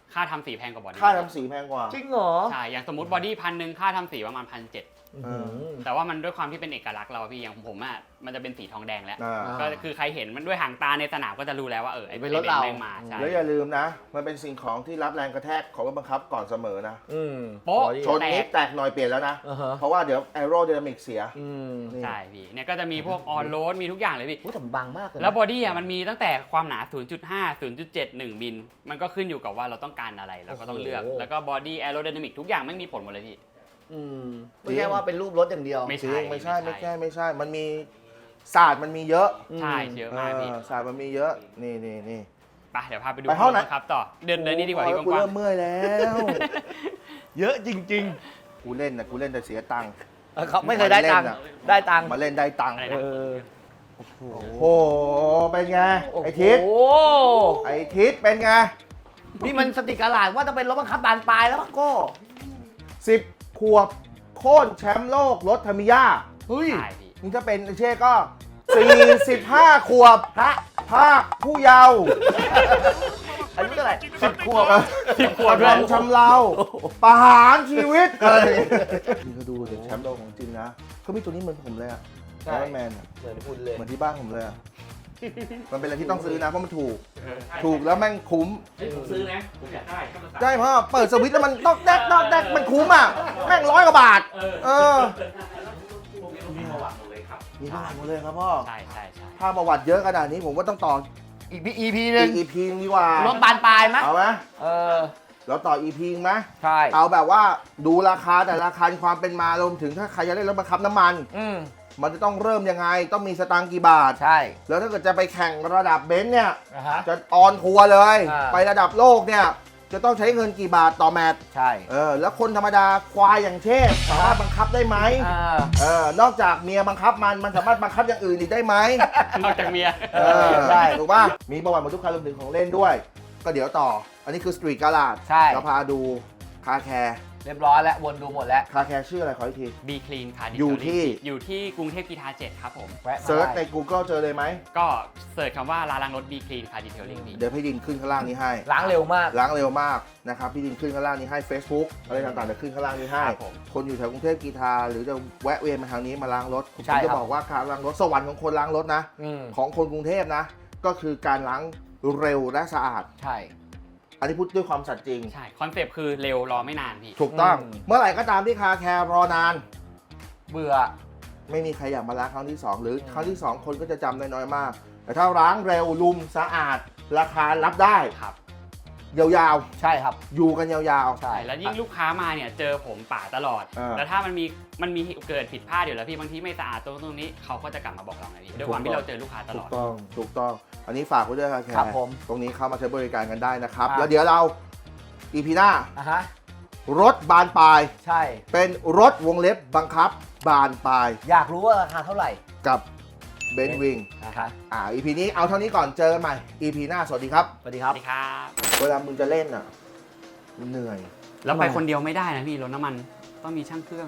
Speaker 3: ค่าทำสีแพงกว่าบอดี้
Speaker 1: ค่าทำสีแพงกว่า
Speaker 2: จริงเหรอ
Speaker 3: ใช่อย่างสมมติบอดี้พันหนึ่งค่าทำสีประมาณพันเจ็ด
Speaker 1: เออ
Speaker 3: แต่ว่ามันด้วยความที่เป็นเอกลักษณ์เราอะพี่อย่างผมอ่ะมันจะเป็นสีทองแดงแล้ว
Speaker 1: อ่า
Speaker 3: ก็คือใครเห็นมันด้วยหางตาในสนามก็จะรู้แล้วว่าเออไอ้
Speaker 2: เป็น
Speaker 3: ไอ้
Speaker 2: รถเรา
Speaker 3: แม่งมาใช่
Speaker 1: แล้วอย่าลืมนะ มันเป็นสิ่งของที่รับแรงกระแทกของรถบังคับก่อนเสมอนะ
Speaker 2: อืม
Speaker 3: โป๊ะ
Speaker 1: ชนนิดแตกหน่อยเปลี่ยนแล้วนะ
Speaker 2: อ่าฮะ
Speaker 1: เพราะว่าเดี๋ยวแอโร d y นามิกเสีย
Speaker 2: อืม
Speaker 1: นี่
Speaker 3: ใช่พี่เนี่ยก็จะมีพวกออนโรดมีทุกอย่างเลยพี่
Speaker 2: อุ้ยแต่มันบางมากเลยนะ
Speaker 3: แล้วบอดี้อ่ะมันมีตั้งแต่ความหนา ศูนย์จุดห้า ศูนย์จุดเจ็ด หนึ่ง มิล มันก็ขึ้นอยู่กับว่าเราต้องการอะไรเราก็ต้องเลือก
Speaker 2: โอ้โห
Speaker 3: แล้วก็บอดี้แอโร d y นามิกทุกอย่างไม่มีผลหมดเลยพี่
Speaker 2: อืมไม่ใช่ว่าเป็นรูปรถอย่างเดียว
Speaker 3: ไม่
Speaker 1: จริ
Speaker 3: ใช่
Speaker 1: งไม่ใช่
Speaker 3: ไม่
Speaker 1: ไม่
Speaker 3: ใช่
Speaker 1: ใช่ไม่ใช่ มันมีศาสตร์มันมีเยอะ
Speaker 3: ใช่เยอะมากพี่
Speaker 1: เออศาสตร์มันมีเยอะ นี่นี่นี่
Speaker 3: ไปเดี๋ยวพาไปดู
Speaker 1: ไปห้องไหน
Speaker 3: ครับต่อเดินเดินนี่ดีกว่าพี่
Speaker 1: โอ้ย
Speaker 3: ก
Speaker 1: กู
Speaker 3: ว้าง
Speaker 1: เริ่มเมื่อยแล้ว
Speaker 2: เยอะจริง
Speaker 1: กูเล่นนะกูเล่นแต่เสียตังค์
Speaker 2: ๆเออเขาไม่เคยได้ตังค์ได้ตังค์
Speaker 1: มาเล่นได้ตังค์
Speaker 2: เออ
Speaker 1: โอ้โหเป็นไงไอทิศ
Speaker 2: โอ้
Speaker 1: ไอทิศเป็นไง
Speaker 2: นี่มันสติกาลาดว่าจะเป็นรถบังคับบานปลายแล้วมั้งโก้
Speaker 1: สิบขวบโค่นแชมป์โลกรถทามิยา
Speaker 2: เฮ้ย
Speaker 3: ใช่พี่
Speaker 1: นี่ถ้าเป็นไอเช่ก็สี่สิบห้าขวบ
Speaker 2: พระ
Speaker 1: ภาคผู้เยาว์
Speaker 2: อายุเท่าไหร่
Speaker 1: สิบขวบอะ
Speaker 3: สิบขวบด้วย
Speaker 1: กระทำชำเราประหารชีวิตอะไรนี่ก็ดูเด็กแชมป์โลกของจริงนะเขามีตัวนี้เหมือนผมเลยอะไอรอนแมนอะ
Speaker 2: เหมือนคุณเลย
Speaker 1: เหมือนที่บ้านผมเลยอะมันเป็นอะไรที่ต้องซื้อนะเพราะมันถูก ถูกแล้วแม่งคุ้ม
Speaker 7: เฮ้ยผมซื้อนะ ผมอยากได้ก็มาสั่ง
Speaker 1: ใช่เพราะเปิดสวิตช์แล้วมันตอกแดกตอกแดกมันคุ้มอ่ะ แม่งร้อยกว่าบาท
Speaker 7: เออ
Speaker 1: เออ
Speaker 7: พวกนี้ต้องมีประวัติหมดเลยครับ
Speaker 1: มีประวัติหมดเลยครับพ่อ
Speaker 3: ใช่ใช่ใช่
Speaker 1: ถ้าประวัติเยอะขนาดนี้ผมว่าต้องต่อ
Speaker 2: อีกพีอีพีหนึ่ง
Speaker 1: อีก อี พี นึงดีกว่าร
Speaker 2: ถบานปลายไหม
Speaker 1: เอาไหม
Speaker 2: เออ
Speaker 1: เราต่อ อี พี นึงไหม
Speaker 2: ใช่
Speaker 1: เอาแบบว่าดูราคาแต่ราคาความเป็นมารวมถึงถ้าใครจะเล่นรถบังคับน้ำมัน
Speaker 2: อืม
Speaker 1: มันจะต้องเริ่มยังไง ต้องมีสตางค์กี่บาท
Speaker 2: ใช่
Speaker 1: แล้วถ้าเกิดจะไปแข่งระดับเบนซ์เนี่ย
Speaker 2: นะฮะ
Speaker 1: จะออนทัวร์เลย
Speaker 2: อ่า
Speaker 1: ไประดับโลกเนี่ย จะต้องใช้เงินกี่บาทต่อแมตช์
Speaker 2: ใช่
Speaker 1: เออ แล้วคนธรรมดาควายอย่างเช่สามารถบังคับได้ไหม
Speaker 2: อ่า
Speaker 1: เออนอกจากเมียบังคับมัน มันสามารถบังคับอย่างอื่นอีกได้ไหม
Speaker 3: นอกจากเมีย
Speaker 1: เออได้ถูกป่ะ มีประวัติหมดทุกคันรวมถึงของเล่นด้วย ก็เดี๋ยวต่อ อันนี้คือสตรีทการาด
Speaker 2: ใช่
Speaker 1: เราพาดูคาแคร์
Speaker 2: เรียบร้อยแล้ววนดูหมดแล้ว
Speaker 1: คาแคร์ชื่ออะไรขออีกที
Speaker 3: บีคลีนค่ะ
Speaker 1: อยู่ที่
Speaker 3: อยู่ที่กรุงเทพกีฬาเจ็ดครับผม
Speaker 2: แวะมา
Speaker 1: เซิร์ชใน
Speaker 2: ได้
Speaker 1: Google เจอเลยไหม
Speaker 3: ก็เสิร์ชคำว่าร้านล้างรถบีคลีนค่ะดีเทลลิงพี่
Speaker 1: เดี๋ยวพี่ดินขึ้นข้างล่างนี้ให้
Speaker 2: ล้างเร็วมาก
Speaker 1: ล้างเร็วมากนะครับ พี่ดินขึ้นข้างล่างนี้ให้ Facebook อะไรต่างๆเดี๋ยวขึ้นข้างล่างนี้ให้
Speaker 3: ครับผม
Speaker 1: คนอยู่แถวกรุงเทพกีฬาหรือจะแวะเวียนมาทางนี้มาล้างรถผม
Speaker 2: ใช่ครับ
Speaker 1: จะบอกว่าการล้างรถสวรรค์ของคนล้างรถนะ
Speaker 2: อืม
Speaker 1: ของคนกรุงเทพนะ ก็คือการล้างเร็วและสะอาด
Speaker 2: ใช่
Speaker 1: อันนี้พูดด้วยความสัตย์จริง
Speaker 3: ใช่ คอนเซปต์คือเร็วรอไม่นานพี่
Speaker 1: ถูกต้อง
Speaker 2: อืม
Speaker 1: เมื่อไหร่ก็ตามที่คาแคร์รอนาน
Speaker 2: เบื่อ
Speaker 1: ไม่มีใครอยากมาล้างครั้งที่สองหรือครั้งที่สองคนก็จะจำได้น้อยมาก แต่ถ้าล้างเร็วลุมสะอาด ราคารับได้
Speaker 3: ครับ
Speaker 1: ยาว
Speaker 2: ใช่ครับ
Speaker 1: ๆ อยู่กันยาว
Speaker 2: ใช่
Speaker 3: แล้วยิ่งลูกค้ามาเนี่ยเจอผมป่าตลอด
Speaker 1: เออ
Speaker 3: แล้วถ้ามันมีมันมีเกิดผิดพลาดอยู่แล้วพี่บางทีไม่สะอาดตรงตรงนี้เขาก็จะกลับมาบอกเราไงพี่ด้วยความที่เราเจอลูกค้าต
Speaker 1: ๆ ถู
Speaker 3: ล
Speaker 1: ก
Speaker 3: อด
Speaker 1: ต้องถูกต้อง อันนี้ฝากไว้ด้วยคาแค
Speaker 2: ครับ
Speaker 1: ร์
Speaker 2: ผม
Speaker 1: ตรงนี้เข้ามาใช้บริการกันได้นะครับ
Speaker 2: ครับ
Speaker 1: แล้วเดี๋ยวเราอีพีหน้า
Speaker 2: อ่ะฮะ
Speaker 1: รถบานปลาย
Speaker 2: ใช่
Speaker 1: เป็นรถวงเล็บบังคับบานปลาย
Speaker 2: อยากรู้ว่าราคาเท่าไหร่
Speaker 1: กับเบนซ์วิง
Speaker 2: นะคะ
Speaker 1: อ่า อี พี นี้เอาเท่านี้ก่อนเจอกันใหม่ อี พี หน้า สวัสดีครับ
Speaker 2: สวัสดีค
Speaker 3: ส
Speaker 2: รับ
Speaker 3: วัสดีครับ
Speaker 1: เวลามึงจะเล่นอ่ะมันเหนื่อย
Speaker 3: แล้วไปคนเดียวไม่ได้นะพี่รถน้ำมันต้องมีช่างเครื่อง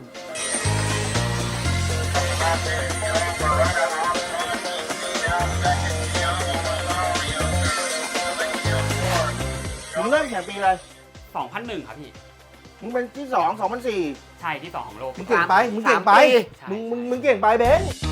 Speaker 1: มึงเริ่มแข่งปีอะไร
Speaker 3: สองพันหนึ่ง ครับพี่
Speaker 1: มึงเป็นที่สอง สองพันสี่
Speaker 3: ใช่ที่สองของโลก
Speaker 1: มึงเก่งไป มึงเก่งไป
Speaker 2: สามปี
Speaker 1: มึงมึงมึงเก่งไปเบนซ์